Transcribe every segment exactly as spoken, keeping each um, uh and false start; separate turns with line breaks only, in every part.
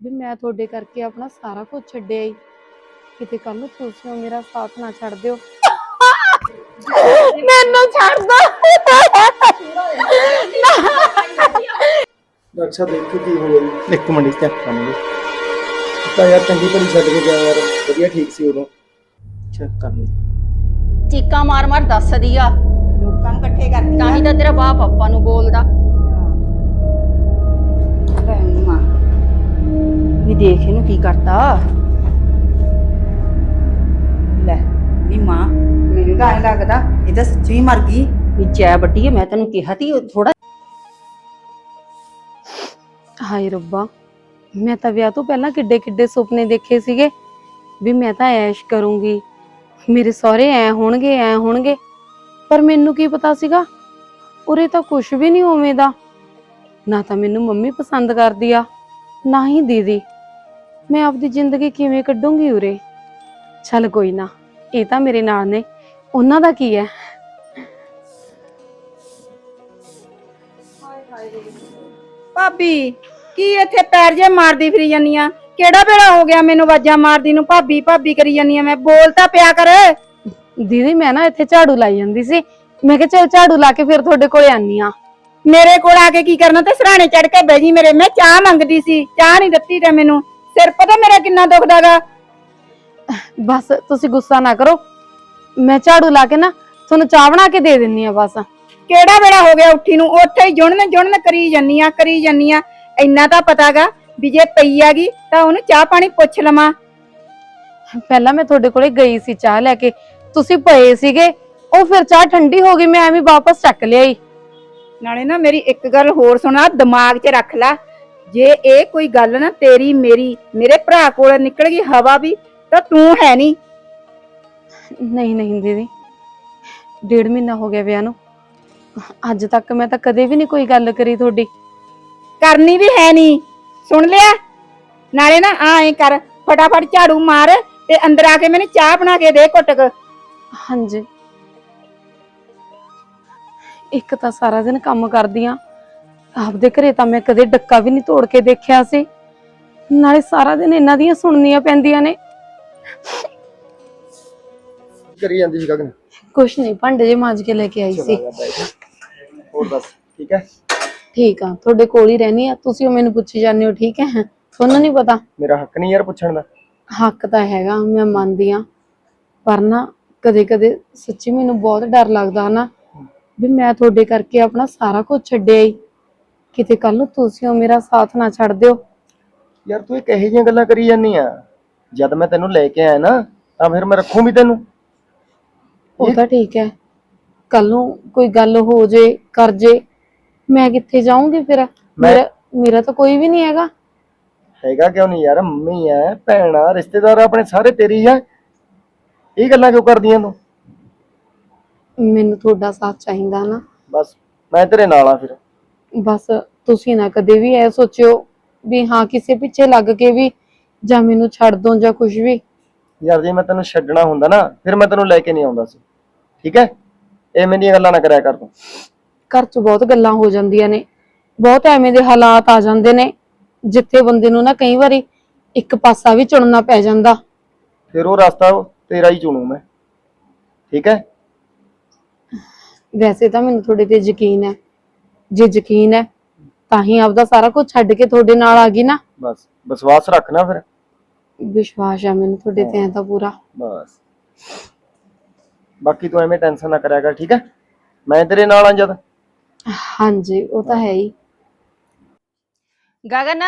ਵੀ ਮੈਂ ਤੁਹਾਡੇ ਕਰਕੇ ਆਪਣਾ ਸਾਰਾ ਕੁਝ ਛੱਡਿਆ ਹੀ। ਕਿਤੇ ਕੱਲ ਨੂੰ ਤੁਸੀਂ ਮੇਰਾ ਸਾਥ ਨਾ ਛੱਡ ਦਿਓ। ਮੈਨੂੰ ਛੱਡ ਦੋ।
ਅੱਛਾ ਦੇਖੋ ਕੀ ਹੋਇਆ ਜੀ।
ਇੱਕ ਮਿੰਟ ਚੈੱਕ ਕਰਾਂਗੇ।
ਤਾਂ ਯਾਰ ਚੰਗੀ ਭਲੀ ਛੱਡ ਕੇ ਗਿਆ ਯਾਰ, ਵਧੀਆ ਠੀਕ ਸੀ ਉਦੋਂ।
ਚੈੱਕ ਕਰ ਲਈ।
ਚੀਕਾਂ ਮਾਰ ਮਾਰ ਦੱਸਦੀ ਆ,
ਲੋਕਾਂ ਨੂੰ ਇਕੱਠੇ ਕਰਦੀ
ਤਾਂ ਹੀ ਤਾਂ ਤੇਰਾ ਬਾਪ ਆਪਾਂ ਨੂੰ ਬੋਲਦਾ।
ਮਾਂ ਵੀ ਦੇਖ ਇਹਨੂੰ ਕੀ ਕਰਤਾ। ਲੈ ਨੀ ਮਾਂ, ਮੈਨੂੰ ਤਾਂ ਐਂ ਲੱਗਦਾ ਇਹ ਤਾਂ ਸੱਚੀ ਮਰ ਗਈ।
ਵੀ ਜੈ ਵੱਡੀ ਮੈਂ ਤੈਨੂੰ ਕਿਹਾ ਤੀ ਥੋੜਾ।
ਹਾਏ ਰੱਬਾ, ਮੈਂ ਤਾਂ ਵਿਆਹ ਤੋਂ ਪਹਿਲਾਂ ਕਿੱਡੇ ਕਿੱਡੇ ਸੁਪਨੇ ਦੇਖੇ ਸੀਗੇ ਵੀ ਮੈਂ ਤਾਂ ਐਸ਼ ਕਰੂੰਗੀ, ਮੇਰੇ ਸਹੁਰੇ ਐ ਹੋਣਗੇ ਐ ਹੋਣਗੇ। ਪਰ ਮੈਨੂੰ ਕੀ ਪਤਾ ਸੀਗਾ ਉਰੇ ਤਾਂ ਕੁਝ ਵੀ ਨਹੀਂ ਉਵੇਂ ਦਾ। ਨਾ ਤਾਂ ਮੈਨੂੰ ਮੰਮੀ ਪਸੰਦ ਕਰਦੀ ਆ, ਨਾ ਹੀ ਦੀਦੀ। ਮੈਂ ਆਪਦੀ ਜ਼ਿੰਦਗੀ ਕਿਵੇਂ ਕੱਢੂੰਗੀ ਉਰੇ। ਚੱਲ ਕੋਈ ਨਾ, ਇਹ ਤਾਂ ਮੇਰੇ ਨਾਲ ਨੇ, ਉਹਨਾਂ ਦਾ ਕੀ ਹੈ।
ਭਾਬੀ ਕੀ ਇੱਥੇ ਪੈਰ ਜੇ ਮਾਰਦੀ ਫਿਰੀ ਜਾਨੀ ਆ? ਕਿਹੜਾ ਵੇਲਾ ਹੋ ਗਿਆ ਮੈਨੂੰ ਆਵਾਜ਼ਾਂ ਮਾਰਦੀ ਨੂੰ? ਭਾਬੀ ਭਾਬੀ ਕਰੀ ਜਾਨੀ ਆ, ਮੈਂ ਬੋਲ ਤਾਂ ਪਿਆ ਕਰ।
ਦੀਦੀ ਮੈਂ ਨਾ ਇੱਥੇ ਝਾੜੂ ਲਾਈ ਜਾਂਦੀ ਸੀ, ਮੈਂ ਕਿਹਾ ਚਲ ਝਾੜੂ ਲਾ ਕੇ ਫਿਰ ਤੁਹਾਡੇ ਕੋਲੇ ਆਨੀ ਆ।
ਮੇਰੇ ਕੋਲ ਆ ਕੇ ਕੀ ਕਰਨਾ? ਤੇ ਸਰਾਣੇ ਚੜ ਕੇ ਬਹਿ ਜੀ ਮੇਰੇ। ਮੈਂ ਚਾਹ ਮੰਗਦੀ ਸੀ, ਚਾਹ ਨਹੀਂ ਦਿੱਤੀ ਤੇ ਮੈਨੂੰ। ਸਿਰ ਪਤਾ ਮੇਰਾ ਕਿੰਨਾ ਦੁਖਦਾਗਾ।
ਬਸ ਤੁਸੀਂ ਗੁੱਸਾ ਨਾ ਕਰੋ, ਮੈਂ ਝਾੜੂ ਲਾ ਕੇ ਨਾ ਤੁਹਾਨੂੰ ਚਾਹ ਬਣਾ ਕੇ ਦੇ ਦਿੰਨੀ ਆ। ਬਸ
ਕਿਹੜਾ ਵੇਲਾ ਹੋ ਗਿਆ ਉੱਠੀ ਨੂੰ? ਉੱਥੇ ਹੀ ਜੁਣਨ ਜੁਣਨ ਕਰੀ ਜਾਨੀ ਆ ਕਰੀ ਜਾਨੀ ਆ। ਇੰਨਾ ਤਾਂ ਪਤਾਗਾ ਵੀ ਜੇ ਪਈ ਆਗੀ ਤਾਂ ਉਹਨੂੰ ਚਾਹ ਪਾਣੀ ਪੁੱਛ ਲਵਾਂ।
ਪਹਿਲਾਂ ਮੈਂ ਤੁਹਾਡੇ ਕੋਲੇ ਗਈ ਸੀ ਚਾਹ ਲੈ ਕੇ, ਤੁਸੀਂ ਪਏ ਸੀਗੇ, ਉਹ ਫਿਰ ਚਾਹ ਠੰਡੀ ਹੋ ਗਈ, ਮੈਂ ਐਵੇਂ ਵਾਪਸ ਚੱਕ ਲਿਆਈ।
ਨਾਲੇ ਨਾ ਮੇਰੀ ਇੱਕ ਗੱਲ ਹੋਰ ਸੁਣਾ, ਦਿਮਾਗ 'ਚ ਰੱਖ ਲੈ। ਜੇ ਇਹ ਕੋਈ ਗੱਲ ਨਾ ਤੇਰੀ ਮੇਰੀ ਮੇਰੇ ਭਰਾ ਕੋਲ ਨਿਕਲ ਗਈ ਹਵਾ ਵੀ, ਤਾਂ ਤੂੰ ਹੈ ਨਹੀਂ।
ਨਹੀਂ ਨਹੀਂ ਦੀਦੀ, ਡੇਢ ਮਹੀਨਾ ਹੋ ਗਿਆ ਵਿਆਹ ਨੂੰ, ਅੱਜ ਤੱਕ ਮੈਂ ਤਾਂ ਕਦੇ ਵੀ ਨਹੀਂ ਕੋਈ ਗੱਲ ਕਰੀ ਤੁਹਾਡੀ।
ਕਰਨੀ ਵੀ ਹੈ ਨਹੀਂ, ਸੁਣ ਲਿਆ? ਨਾਲੇ ਨਾ ਆ ਐ ਕਰ, ਫਟਾਫਟ ਝਾੜੂ ਮਾਰ ਤੇ ਅੰਦਰ ਆ ਕੇ ਮੈਨੂੰ ਚਾਹ ਬਣਾ ਕੇ ਦੇ ਘੁੱਟ ਕ।
ਹਾਂਜੀ, ਇੱਕ ਤਾਂ ਸਾਰਾ ਦਿਨ ਕੰਮ ਕਰਦੀ ਆ, ਆਪਦੇ ਘਰੇ ਤਾਂ ਮੈਂ ਕਦੇ ਡੱਕਾ ਵੀ ਨਹੀਂ ਤੋੜ ਕੇ ਦੇਖਿਆ ਸੀ, ਨਾਲੇ ਸਾਰਾ ਦਿਨ ਇਹਨਾਂ ਦੀਆਂ ਸੁਣਨੀਆਂ ਪੈਂਦੀਆਂ ਨੇ।
ਕਰੀ ਜਾਂਦੀ ਸੀ ਗਗਨ?
ਕੁਛ ਨਹੀਂ, ਭਾਂਡੇ ਜੇ ਮਾਂਜ ਕੇ ਲੈ ਕੇ ਆਈ ਸੀ।
ਹੋਰ ਦੱਸ ਠੀਕ ਹੈ?
ਠੀਕ ਆ, ਤੁਹਾਡੇ ਕੋਲ ਹੀ ਰਹਿਣੀ ਆ, ਤੁਸੀਂ ਉਹ ਮੈਨੂੰ ਪੁੱਛੀ ਜਾਂਦੇ ਹੋ। ਠੀਕ ਹੈ, ਤੁਹਾਨੂੰ ਨਹੀਂ ਪਤਾ?
ਮੇਰਾ ਹੱਕ ਨਹੀਂ ਯਾਰ ਪੁੱਛਣ ਦਾ?
ਹੱਕ ਤਾਂ ਹੈਗਾ, ਮੈਂ ਮੰਨਦੀ ਆ, ਪਰ ਨਾ ਕਦੇ ਕਦੇ ਸੱਚੀ ਮੈਨੂੰ ਬਹੁਤ ਡਰ ਲੱਗਦਾ ਨਾ ਵੀ ਮੈਂ ਤੁਹਾਡੇ ਕਰਕੇ ਆਪਣਾ ਸਾਰਾ ਕੁਝ ਛੱਡਿਆ ਹੀ। ਕਿਤੇ ਕੱਲ ਨੂੰ ਤੁਸੀਂ ਮੇਰਾ ਸਾਥ ਨਾ ਛੱਡ ਦਿਓ।
ਯਾਰ ਤੂੰ ਇਹ ਕਿਹੋ ਜਿਹੀਆਂ ਗੱਲਾਂ ਕਰੀ ਜਾਂਦੀ ਆ? ਜਦ ਮੈਂ ਤੈਨੂੰ ਲੈ ਕੇ ਆਇਆ ਨਾ ਤਾਂ ਫਿਰ ਮੈਂ ਰੱਖੂ ਵੀ ਤੈਨੂੰ।
ਉਹ ਤਾਂ ਠੀਕ ਹੈ, ਕੱਲ ਨੂੰ ਕੋਈ ਗੱਲ ਹੋ ਜੇ ਕਰ ਜੇ, ਮੈਂ ਕਿੱਥੇ ਜਾਊਂਗੀ ਫਿਰ? ਮੇਰਾ ਮੇਰਾ ਤਾਂ ਕੋਈ ਵੀ ਨਹੀਂ ਹੈਗਾ।
ਹੈਗਾ ਕਿਉਂ ਨਹੀਂ ਯਾਰ? ਮੰਮੀ ਐ, ਭੈਣ ਆ, ਰਿਸ਼ਤੇਦਾਰ ਆਪਣੇ ਸਾਰੇ ਤੇਰੀ ਆ। ਇਹ ਗੱਲਾਂ ਕਿਉਂ ਕਰਦੀਆਂ ਤੂੰ?
ਮੈਨੂੰ ਤੁਹਾਡਾ ਸਾਥ ਚਾਹੀਦਾ ਨਾ।
ਬਸ ਮੈਂ ਤੇਰੇ ਨਾਲ ਆ ਫਿਰ।
ਬਸ ਤੁਸੀਂ ਨਾ ਕਦੇ ਵੀ ਇਹ ਸੋਚਿਓ ਵੀ ਹਾਂ ਕਿਸੇ ਪਿੱਛੇ ਲੱਗ ਕੇ ਵੀ ਜਾਂ ਮੈਨੂੰ ਛੱਡ ਦੋ ਜਾਂ ਕੁਝ ਵੀ।
ਯਾਰ ਜੇ ਮੈਂ ਤੈਨੂੰ ਛੱਡਣਾ ਹੁੰਦਾ ਨਾ ਫਿਰ ਮੈਂ ਤੈਨੂੰ ਲੈ ਕੇ ਨਹੀਂ ਆਉਂਦਾ ਸੀ, ਠੀਕ ਹੈ? ਐਵੇਂ ਦੀਆਂ ਗੱਲਾਂ ਨਾ ਕਰਿਆ ਕਰ ਤੂੰ।
ਘਰ 'ਚ ਬਹੁਤ ਗੱਲਾਂ ਹੋ ਜਾਂਦੀਆਂ ਨੇ, ਬਹੁਤ ਐਵੇਂ ਦੇ ਹਾਲਾਤ ਆ ਜਾਂਦੇ ਨੇ ਜਿੱਥੇ ਬੰਦੇ ਨੂੰ ਨਾ ਕਈ ਵਾਰੀ ਇੱਕ ਪਾਸਾ ਵੀ ਚੁਣਨਾ ਪੈ ਜਾਂਦਾ।
ਫਿਰ ਉਹ ਰਸਤਾ ਤੇਰਾ ਹੀ ਚੁਣੂ ਮੈਂ, ਠੀਕ ਹੈ?
ਵੈਸੇ ਤਾਂ ਮੈਨੂੰ ਤੁਹਾਡੇ ਤੇ ਯਕੀਨ ਹੈ, ਜੇ ਯਕੀਨ ਹੈ ਤਾਂ ਹੀ ਆਪਦਾ ਸਾਰਾ ਕੁਝ ਛੱਡ ਕੇ ਤੁਹਾਡੇ ਨਾਲ ਆ ਗਈ ਨਾ।
ਬਸ ਵਿਸ਼ਵਾਸ ਰੱਖਣਾ ਫਿਰ।
ਵਿਸ਼ਵਾਸ ਹੈ ਮੈਨੂੰ ਤੁਹਾਡੇ ਤੇ ਐ ਤਾਂ ਪੂਰਾ।
ਬਸ ਬਾਕੀ ਤੂੰ ਐਵੇਂ ਟੈਨਸ਼ਨ ਨਾ ਕਰਿਆ ਕਰ, ਠੀਕ ਹੈ? ਮੈਂ ਤੇਰੇ ਨਾਲ ਆ ਜਦ।
ਹਾਂਜੀ ਉਹ ਤਾਂ ਹੈ ਹੀ।
ਗਗਨ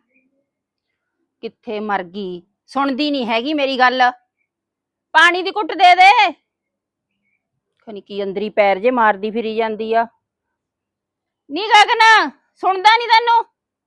ਕਿੱਥੇ ਮਰ ਗਈ? ਸੁਣਦੀ ਨਹੀਂ ਹੈਗੀ ਮੇਰੀ ਗੱਲ। ਪਾਣੀ ਦੀ ਘੁੱਟ ਦੇ ਦੇ। ਖਨੀ ਕੀ ਅੰਦਰੀ ਪੈਰ ਜੇ ਮਾਰਦੀ ਫਿਰੀ ਜਾਂਦੀ ਆ। ਨੀ ਗਗਨ ਸੁਣਦਾ ਨਹੀਂ ਤੈਨੂੰ?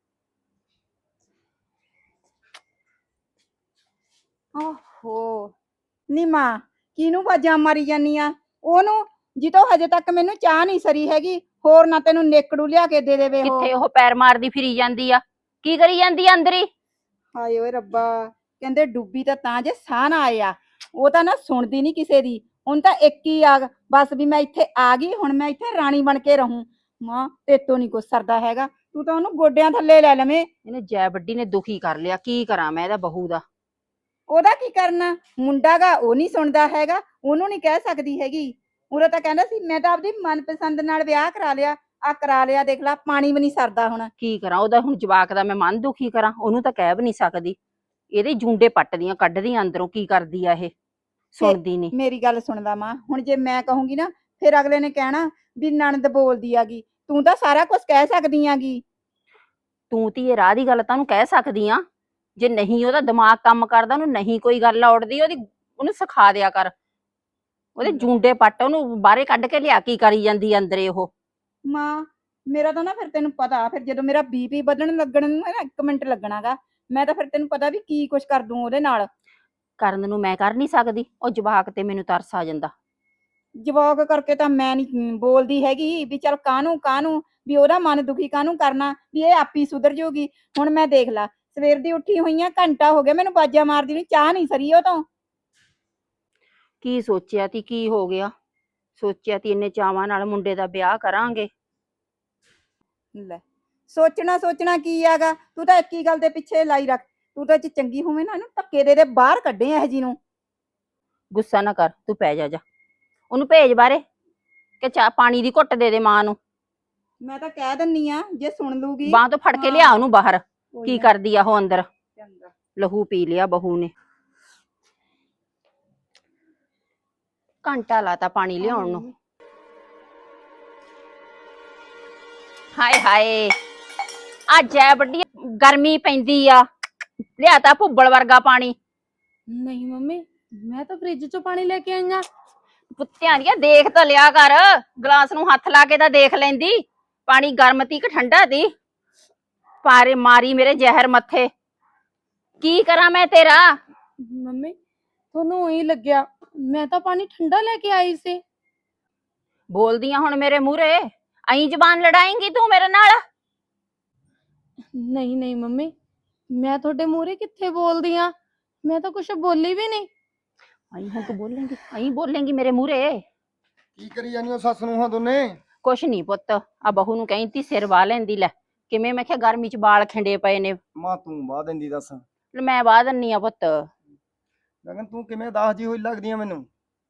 ਓਹੋ ਨੀ ਮਾਂ, ਕਿਹਨੂੰ ਆਵਾਜ਼ਾਂ ਮਾਰੀ ਜਾਨੀ ਆ? ਉਹਨੂੰ ਜਿੱਤੋਂ ਹਜੇ ਤੱਕ ਮੈਨੂੰ ਚਾਹ ਨਹੀਂ ਸਰੀ ਹੈਗੀ, ਹੋਰ ਨਾ ਤੈਨੂੰ ਨੇਕੜੂ ਲਿਆ ਕੇ ਦੇ ਦੇਵੇ।
ਕਿੱਥੇ ਉਹ ਪੈਰ ਮਾਰਦੀ ਫਿਰੀ ਜਾਂਦੀ ਆ? ਕੀ ਕਰੀ ਜਾਂਦੀ ਆ ਅੰਦਰ ਹੀ?
ਹਾਏ ਓਏ ਰੱਬਾ, ਕਹਿੰਦੇ ਡੁੱਬੀ ਤਾਂ ਤਾਂ ਜੇ ਸਾਹ ਨਾ ਆਇਆ। ਉਹ ਤਾਂ ਨਾ ਸੁਣਦੀ ਨਹੀਂ ਕਿਸੇ ਦੀ, ਹੁਣ ਤਾਂ ਇੱਕ ਹੀ ਆ ਬਸ ਵੀ ਮੈਂ ਇੱਥੇ ਆ ਗਈ, ਹੁਣ ਮੈਂ ਇੱਥੇ ਰਾਣੀ ਬਣ ਕੇ ਰਹੂੰ। ਮਾਂ ਤੇਤੋਂ ਨਹੀਂ ਕੁਛ ਸਰਦਾ ਹੈਗਾ, ਤੂੰ ਤਾਂ ਉਹਨੂੰ ਗੋਡਿਆਂ ਥੱਲੇ ਲੈ ਲਵੇਂ।
ਇਹਨੇ ਜੈ ਵੱਡੀ ਨੇ ਦੁਖੀ ਕਰ ਲਿਆ, ਕੀ ਕਰਾਂ ਮੈਂ ਇਹਦਾ ਬਹੂ ਦਾ।
ਉਹਦਾ ਕੀ ਕਰਨਾ, ਮੁੰਡਾ ਗਾ ਉਹ ਨਹੀਂ ਸੁਣਦਾ ਹੈਗਾ, ਉਹਨੂੰ ਨਹੀਂ ਕਹਿ ਸਕਦੀ ਹੈਗੀ। ਉਰੇ ਤਾਂ ਕਹਿੰਦਾ ਸੀ ਮੈਂ ਤਾਂ ਆਪਦੀ ਮਨਪਸੰਦ ਨਾਲ ਵਿਆਹ ਕਰਾ ਲਿਆ, ਆ ਕਰਾ ਲਿਆ ਦੇਖ ਲਾ, ਪਾਣੀ ਵੀ ਨਹੀਂ ਸਰਦਾ ਹੁਣ।
ਕੀ ਕਰਾਂ ਉਹਦਾ ਹੁਣ ਜਵਾਕ ਦਾ ਮੈਂ ਮਨ ਦੁਖੀ ਕਰਾਂ, ਉਹਨੂੰ ਤਾਂ ਕਹਿ ਵੀ ਨਹੀਂ ਸਕਦੀ। ਇਹਦੇ ਜੂੰਡੇ ਪੱਟਦੀਆਂ ਕੱਢਦੀਆਂ ਅੰਦਰੋਂ, ਕੀ ਕਰਦੀ ਆ ਇਹ, ਸੁਣਦੀ ਨਹੀਂ।
ਮੇਰੀ ਗੱਲ ਸੁਣ ਲਾ ਮਾਂ, ਹੁਣ ਜੇ ਮੈਂ ਕਹੂੰਗੀ ਨਾ ਫਿਰ ਅਗਲੇ ਨੇ ਕਹਿਣਾ ਵੀ ਨਣਦ ਬੋਲਦੀ ਆਗੀ। ਤੂੰ ਤਾਂ ਸਾਰਾ ਕੁਝ ਕਹਿ ਸਕਦੀ ਆਗੀ।
ਤੂੰ ਧੀਏ ਰਾਹ ਦੀ ਗੱਲ ਤਾਂ ਉਹਨੂੰ ਕਹਿ ਸਕਦੀ ਆ, ਜੇ ਨਹੀਂ ਉਹਦਾ ਦਿਮਾਗ ਕੰਮ ਕਰਦਾ, ਉਹਨੂੰ ਨਹੀਂ ਕੋਈ ਗੱਲ ਔੜਦੀ, ਉਹਦੀ ਉਹਨੂੰ ਸਿਖਾ ਦਿਆ ਕਰ। ਉਹਦੇ ਜੂੰਡੇ ਪੱਟ, ਉਹਨੂੰ ਬਾਹਰੇ ਕੱਢ ਕੇ ਲਿਆ, ਕੀ ਕਰੀ ਜਾਂਦੀ ਅੰਦਰੇ ਉਹ।
ਮਾਂ ਮੇਰਾ ਤਾਂ ਨਾ ਫਿਰ ਤੈਨੂੰ ਪਤਾ, ਫਿਰ ਜਦੋਂ ਮੇਰਾ ਬੀਪੀ ਵਧਣ ਲੱਗਣ ਨੂੰ ਹੈ ਨਾ ਇੱਕ ਮਿੰਟ ਲੱਗਣਾਗਾ, ਮੈਂ ਤਾਂ ਫਿਰ ਤੈਨੂੰ ਪਤਾ ਵੀ ਕੀ ਕੁਛ ਕਰ ਦੂੰ ਉਹਦੇ ਨਾਲ।
ਕਰਨ ਨੂੰ ਮੈਂ ਕਰ ਨਹੀਂ ਸਕਦੀ, ਉਹ ਜਵਾਕ ਤੇ ਮੈਨੂੰ ਤਰਸ ਆ ਜਾਂਦਾ।
ਜਵਾਕ ਕਰਕੇ ਤਾਂ ਮੈਂ ਨਹੀਂ ਬੋਲਦੀ ਹੈਗੀ ਵੀ ਚੱਲ ਕਾਹਨੂੰ ਕਾਹਨੂੰ ਵੀ ਉਹਦਾ ਮਨ ਦੁਖੀ ਕਾਹਨੂੰ ਕਰਨਾ, ਵੀ ਇਹ ਆਪੀ ਸੁਧਰ ਜਾਊਗੀ। ਹੁਣ ਮੈਂ ਦੇਖ ਲਾ ਸਵੇਰ ਦੀ ਉੱਠੀ ਹੋਈ ਆ, ਘੰਟਾ ਹੋ ਗਿਆ ਮੈਨੂੰ ਬਾਜਾ ਮਾਰਦੀ ਨੂੰ, ਚਾਹ ਨਹੀਂ ਸਰੀ ਉਹ ਤੋਂ।
ਕੀ ਸੋਚਿਆ ਤੀ, ਕੀ ਹੋ ਗਿਆ? ਸੋਚਿਆ ਤੀ ਇੰਨੇ ਚਾਵਾਂ ਨਾਲ ਮੁੰਡੇ ਦਾ ਵਿਆਹ ਕਰਾਂਗੇ।
ਲੈ ਸੋਚਣਾ ਸੋਚਣਾ ਕੀ ਆਗਾ, ਤੂੰ ਤਾਂ ਇੱਕ ਹੀ ਗੱਲ ਦੇ ਪਿੱਛੇ ਲਾਈ ਰੱਖ। ਤੂੰ ਤਾਂ ਜੇ ਚੰਗੀ ਹੋਵੇਂ ਨਾ ਇਹਨੂੰ ਧੱਕੇ ਦੇ ਦੇ ਬਾਹਰ ਕੱਢੇ ਇਹ ਜੀ ਨੂੰ।
ਗੁੱਸਾ ਨਾ ਕਰ, ਤੂੰ ਪੈ ਜਾ ਜਾ, ਉਹਨੂੰ ਭੇਜ ਬਾਰੇ ਕਿ ਚਾਹ ਪਾਣੀ ਦੀ ਘੁੱਟ ਦੇ ਦੇ ਮਾਂ ਨੂੰ।
ਮੈਂ ਤਾਂ ਕਹਿ ਦਿੰਨੀ ਆ ਜੇ ਸੁਣ ਲੂਗੀ।
ਬਾਂਹ ਤੋਂ ਫੜ ਕੇ ਲਿਆ ਉਹਨੂੰ ਬਾਹਰ,
ਕੋਈ
ਕੀ
ਨਾ।
ਕਰਦੀ ਆ ਉਹ ਅੰਦਰ।
ਚੰਗਾ।
ਲਹੂ ਪੀ ਲਿਆ ਬਹੂ ਨੇ। ਘੰਟਾ ਲਾਤਾ ਪਾਣੀ ਲਿਆਉਣ ਨੂੰ। ਹਾਏ ਹਾਏ ਅੱਜ ਐ ਵੱਡੀ ਗਰਮੀ ਪੈਂਦੀ ਆ, ਲਿਆਤਾ ਭੁੱਬਲ ਵਰਗਾ ਪਾਣੀ।
ਨਹੀਂ ਮੰਮੀ, ਮੈਂ ਤਾਂ ਫ੍ਰਿਜ ਚੋਂ ਪਾਣੀ ਲੈ ਕੇ ਆਈ ਆਂ।
ਕੁੱਤਿਆਂ ਦੀਆਂ ਦੇਖ ਤਾਂ ਲਿਆ ਕਰ, ਗਲਾਸ ਨੂੰ ਹੱਥ ਲਾ ਕੇ ਤਾਂ ਦੇਖ ਲੈਂਦੀ, ਪਾਣੀ ਗਰਮ ਤੀ ਕਿ ਠੰਡਾ ਤੀ। ਪਾਰੇ ਮਾਰੀ ਮੇਰੇ ਜ਼ਹਿਰ ਮੱਥੇ, ਕੀ ਕਰਾਂ ਮੈਂ ਤੇਰਾ।
ਮੰਮੀ ਤੁਹਾਨੂੰ ਉਹੀ ਲੱਗਿਆ, ਮੈਂ ਤਾਂ ਪਾਣੀ ਠੰਡਾ ਲੈ ਕੇ ਆਈ ਸੀ।
ਬੋਲਦੀਆਂ ਹੁਣ ਮੇਰੇ ਮੂਹਰੇ, ਐਂ ਜ਼ਬਾਨ ਲੜਾਏਂਗੀ ਤੂੰ ਮੇਰੇ ਨਾਲ।
ਨਹੀਂ ਨਹੀਂ ਮੰਮੀ, ਮੈਂ ਤੁਹਾਡੇ ਮੂਹਰੇ ਕਿੱਥੇ ਬੋਲਦੀ ਆ, ਮੈਂ ਤਾਂ ਕੁਛ ਬੋਲੀ ਵੀ ਨਹੀਂ।
ਐਂ ਹੁਣ ਤੂੰ ਬੋਲੇਂਗੀ, ਐਂ ਬੋਲੇਂਗੀ ਮੇਰੇ ਮੂਹਰੇ।
ਕੀ ਕਰੀ ਜਾਂਦੀ ਹੋ ਸੱਸ ਨੂੰ ਹਾਂ ਦੋਨੇ?
ਕੁਛ ਨਹੀਂ ਪੁੱਤ, ਆ ਬਹੂ ਨੂੰ ਕਹਿੰਦੀ ਸਿਰ ਵਾਹ ਲੈਂਦੀ। ਲੈ ਕਿਵੇਂ, ਮੈਂ ਕਿਹਾ ਗਰਮੀ ਚ ਵਾਲ ਖਿੰਡੇ ਪਏ ਨੇ।
ਮਾਂ ਤੂੰ ਬਾਹ ਦਿੰਦੀ ਦੱਸ।
ਲੈ ਮੈਂ ਵਾਹ ਦਿੰਨੀ ਆ ਪੁੱਤ।
ਗਗਨ ਤੂੰ ਕਿਵੇਂ ਦਾਸ ਜੀ ਹੋਈ ਲੱਗਦੀ ਆ ਮੈਨੂੰ।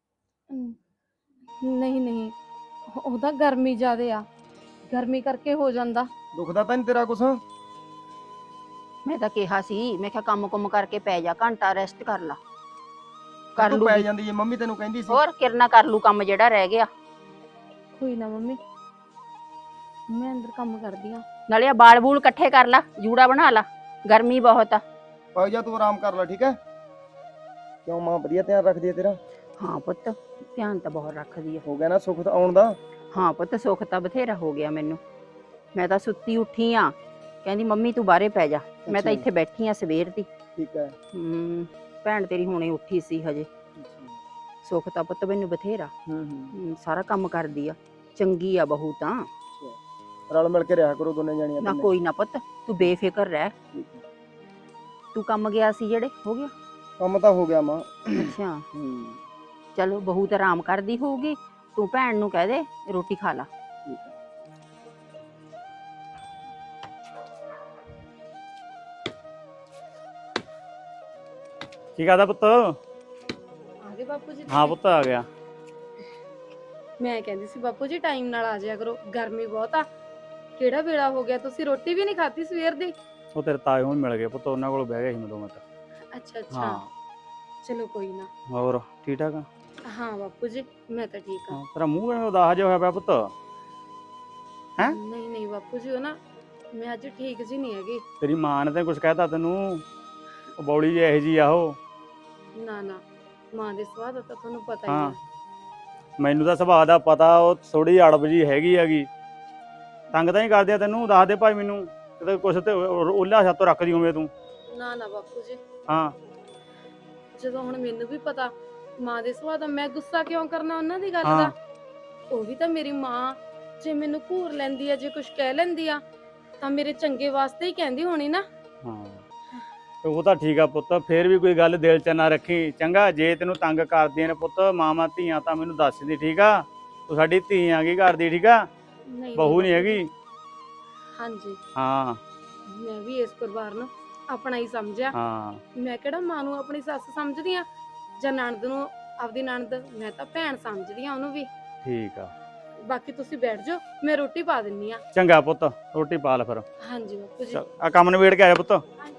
ਨਹੀਂ ਨਹੀਂ, ਉਹਦਾ ਗਰਮੀ ਜ਼ਿਆਦੇ ਆ, ਗਰਮੀ ਕਰਕੇ ਹੋ ਜਾਂਦਾ।
ਦੁਖਦਾ ਤਾਂ ਨਹੀਂ ਤੇਰਾ ਕੁਛ?
ਮੈਂ ਤਾਂ ਕਿਹਾ ਸੀ, ਮੈਂ ਕਿਹਾ ਕੰਮ ਕੁੰਮ ਕਰਕੇ ਪੈ ਜਾ, ਘੰਟਾ ਰੈਸਟ ਕਰ ਲਾ। ਕਰ
ਤੂੰ
ਲੂ
ਪੈ ਜਾਂਦੀ ਏ, ਮੰਮੀ ਤੈਨੂੰ ਕਹਿੰਦੀ ਸੀ।
ਹੋਰ ਕਿਰਨਾ ਕਰ ਲੂ ਕੰਮ ਜਿਹੜਾ ਰਹਿ ਗਿਆ।
ਕੋਈ ਨਾ ਮੰਮੀ, ਮੈਂ ਅੰਦਰ ਕੰਮ ਕਰਦੀ ਆ।
ਨਾਲੇ ਆ ਬਾਲ ਬੂਲ ਇਕੱਠੇ ਕਰ ਲਾ, ਜੂੜਾ ਬਣਾ ਲਾ, ਗਰਮੀ ਬਹੁਤ ਆ।
ਪੈ ਜਾ ਤੂੰ ਆਰਾਮ ਕਰ ਲੈ, ਠੀਕ ਹੈ? ਕਿਉਂ ਮਾਂ ਵਧੀਆ ਧਿਆਨ ਰੱਖਦੀ ਹੈ ਤੇਰਾ?
ਹਾਂ ਪੁੱਤ ਧਿਆਨ ਤਾਂ ਬਹੁਤ ਰੱਖਦੀ ਆ।
ਹੋ ਗਿਆ ਨਾ ਸੁੱਖ ਤਾਂ ਆਉਣ ਦਾ?
ਹਾਂ ਪੁੱਤ ਸੁੱਖ ਤਾਂ ਬਥੇਰਾ ਹੋ ਗਿਆ ਮੈਨੂੰ। ਮੈਂ ਤਾਂ ਸੁੱਤੀ ਉੱਠੀ ਆ, ਕਹਿੰਦੀ ਮੰਮੀ ਤੂੰ ਬਾਹਰੇ ਪੈ ਜਾ। ਮੈਂ ਤਾਂ
ਅੱਛਾ।
ਇੱਥੇ ਬੈਠੀ ਆ ਸਵੇਰ ਦੀ।
ਠੀਕ ਹੈ।
ਹੂੰ ਭੈਣ ਤੇਰੀ ਹੁਣੇ ਉੱਠੀ ਸੀ ਹਜੇ। ਸੁੱਖ ਤਾਂ ਪੁੱਤ ਮੈਨੂੰ ਬਥੇਰਾ,
ਹੂੰ ਹੂੰ
ਹੂੰ, ਸਾਰਾ ਕੰਮ ਕਰਦੀ ਆ, ਚੰਗੀ ਆ ਬਹੂ ਤਾਂ।
ਰਲ ਮਿਲ ਕੇ ਰਿਹਾ ਕਰੋ ਦੋਨੇ ਜਾਣੀਆਂ।
ਨਾ ਕੋਈ ਨਾ ਪੁੱਤ, ਤੂੰ ਬੇਫਿਕਰ ਰਹਿ।
ਠੀਕ ਹੈ।
ਤੂੰ ਕੰਮ ਗਿਆ ਸੀ ਜਿਹੜੇ, ਹੋ ਗਿਆ?
ਕੰਮ ਤਾਂ ਹੋ ਗਿਆ ਮਾਂ।
ਅੱਛਾ
ਹੂੰ
ਚਲੋ, ਬਹੂ ਤਾਂ ਆਰਾਮ ਕਰਦੀ ਹੋਊਗੀ, ਤੂੰ ਭੈਣ ਨੂੰ ਕਹਿ ਦੇ ਰੋਟੀ ਖਾ ਲਾ।
ਠੀਕ ਹੈ।
ਕੀ ਕਰਦਾ ਪੁੱਤ?
ਆ ਗਏ ਬਾਪੂ ਜੀ?
ਹਾਂ ਪੁੱਤ ਆ ਗਿਆ।
ਮੈਂ ਕਹਿੰਦੀ ਸੀ ਬਾਪੂ ਜੀ ਟਾਈਮ ਨਾਲ ਆ ਜਾਇਆ ਕਰੋ, ਗਰਮੀ ਬਹੁਤ ਆ। ਕਿਹੜਾ ਵੇਲਾ ਹੋ ਗਿਆ, ਤੁਸੀਂ ਰੋਟੀ ਵੀ ਨਹੀਂ ਖਾਧੀ ਸਵੇਰ ਦੀ।
ਉਹ ਤੇਰੇ ਤਾਏ ਹੁਣ ਮਿਲ ਗਏ ਪੁੱਤ, ਉਹਨਾਂ ਕੋਲ ਬਹਿ ਗਿਆ ਸੀ ਮੈਂ ਦੋ ਮਿੰਟ।
ਅੱਛਾ ਅੱਛਾ,
ਹਾਂ
ਚਲੋ ਕੋਈ ਨਾ।
ਹੋਰ ਠੀਕ ਠਾਕ ਆ?
ਹਾਂ ਬਾਪੂ ਜੀ ਮੈਂ ਤਾਂ ਠੀਕ ਆ।
ਹਾਂ, ਤੇਰਾ ਮੂੰਹ ਕਿਵੇਂ ਉਦਾਸ ਜਿਹਾ ਹੋਇਆ ਪਿਆ ਪੁੱਤ? ਹੈਂ?
ਨਹੀਂ ਨਹੀਂ ਬਾਪੂ ਜੀ, ਉਹ ਨਾ ਮੈਂ ਅੱਜ ਠੀਕ ਜੀ ਨਹੀਂ ਹੈਗੀ।
ਤੇਰੀ ਮਾਂ ਨੇ ਤਾਂ ਕੁਝ ਕਹਿਤਾ ਤੈਨੂੰ? ਉਹ ਬੌਲੀ ਜਿਹੀ ਇਹੋ ਜਿਹੀ ਆ ਉਹ।
ਨਾ ਨਾ, ਮਾਂ ਦੇ ਸੁਭਾਅ ਦਾ ਤਾਂ ਤੁਹਾਨੂੰ ਪਤਾ ਹੀ
ਹਾਂ
ਆ।
ਮੈਨੂੰ ਤਾਂ ਸੁਭਾਅ ਦਾ ਪਤਾ, ਉਹ ਥੋੜੀ ਅੜਬ ਜੀ ਹੈਗੀ ਹੈਗੀ। ਤੰਗ ਤਾਂ ਨਹੀਂ ਕਰਦੀ ਆ ਤੈਨੂੰ? ਦੱਸ ਦੇ ਭਾਈ ਮੈਨੂੰ, ਕਿਤੇ ਕੁਛ ਤੇ ਉਹਲਾ ਛੱਤੋਂ ਰੱਖਦੀ ਹੋਵੇਂ ਤੂੰ।
ਨਾ ਨਾ ਬਾਪੂ ਜੀ,
ਹਾਂ
ਜਦੋਂ ਹੁਣ ਮੈਨੂੰ ਵੀ ਪਤਾ ਮਾਂ ਦੇ ਸੁਭਾਅ ਦਾ, ਮੈਂ ਗੁੱਸਾ ਕਿਉਂ ਕਰਨਾ ਉਹਨਾਂ ਦੀ ਗੱਲ
ਹਾਂ।
ਦਾ। ਉਹ ਵੀ ਤਾਂ ਮੇਰੀ ਮਾਂ, ਜੇ ਮੈਨੂੰ ਘੂਰ ਲੈਂਦੀ ਆ, ਜੇ ਕੁਝ ਕਹਿ ਲੈਂਦੀ ਆ, ਤਾਂ ਮੇਰੇ ਚੰਗੇ ਵਾਸਤੇ ਹੀ ਕਹਿੰਦੀ ਹੋਣੀ ਨਾ।
ਹਾਂ ਉਹ ਤਾਂ ਠੀਕ ਆ ਪੁੱਤ, ਫੇਰ ਵੀ ਕੋਈ ਗੱਲ ਦਿਲ 'ਚ ਨਾ ਰੱਖੀ ਚੰਗਾ। ਜੇ ਤੈਨੂੰ ਤੰਗ ਕਰਦੀਆਂ ਨੇ ਪੁੱਤ ਮਾਵਾਂ ਧੀਆਂ, ਤਾਂ ਮੈਨੂੰ ਦੱਸ ਦੀ, ਠੀਕ ਆ? ਤੂੰ ਸਾਡੀ ਧੀ ਆ, ਕੀ ਕਰਦੀ, ਠੀਕ ਆ?
ਨਹੀਂ
ਬਹੂ ਨਹੀਂ
ਬਾਪੂ ਜੀ।
ਹੈਗੀ।
ਹਾਂਜੀ
ਹਾਂ
ਮੈਂ ਵੀ ਇਸ ਪਰਿਵਾਰ ਨੂੰ ਆਪਣਾ ਹੀ ਸਮਝਿਆ।
ਹਾਂ
ਮੈਂ ਕਿਹੜਾ ਮਾਂ ਨੂੰ ਆਪਣੀ ਸੱਸ ਸਮਝਦੀ ਆ ਜਾਂ ਨਣਦ ਨੂੰ ਆਪਦੀ ਨਣਦ, ਮੈਂ ਤਾਂ ਭੈਣ ਸਮਝਦੀ ਆ ਉਹਨੂੰ ਵੀ।
ਠੀਕ ਆ।
ਬਾਕੀ ਤੁਸੀਂ ਬੈਠ ਜਾਓ, ਮੈਂ ਰੋਟੀ ਪਾ ਦਿੰਨੀ ਆ।
ਚੰਗਾ ਪੁੱਤ, ਰੋਟੀ ਪਾ ਲੈ ਫਿਰ।
ਹਾਂਜੀ ਬਾਪੂ ਜੀ।
ਚੱਲ ਆ ਕੰਮ ਨਿਬੇੜ ਕੇ ਆਇਆ ਪੁੱਤ।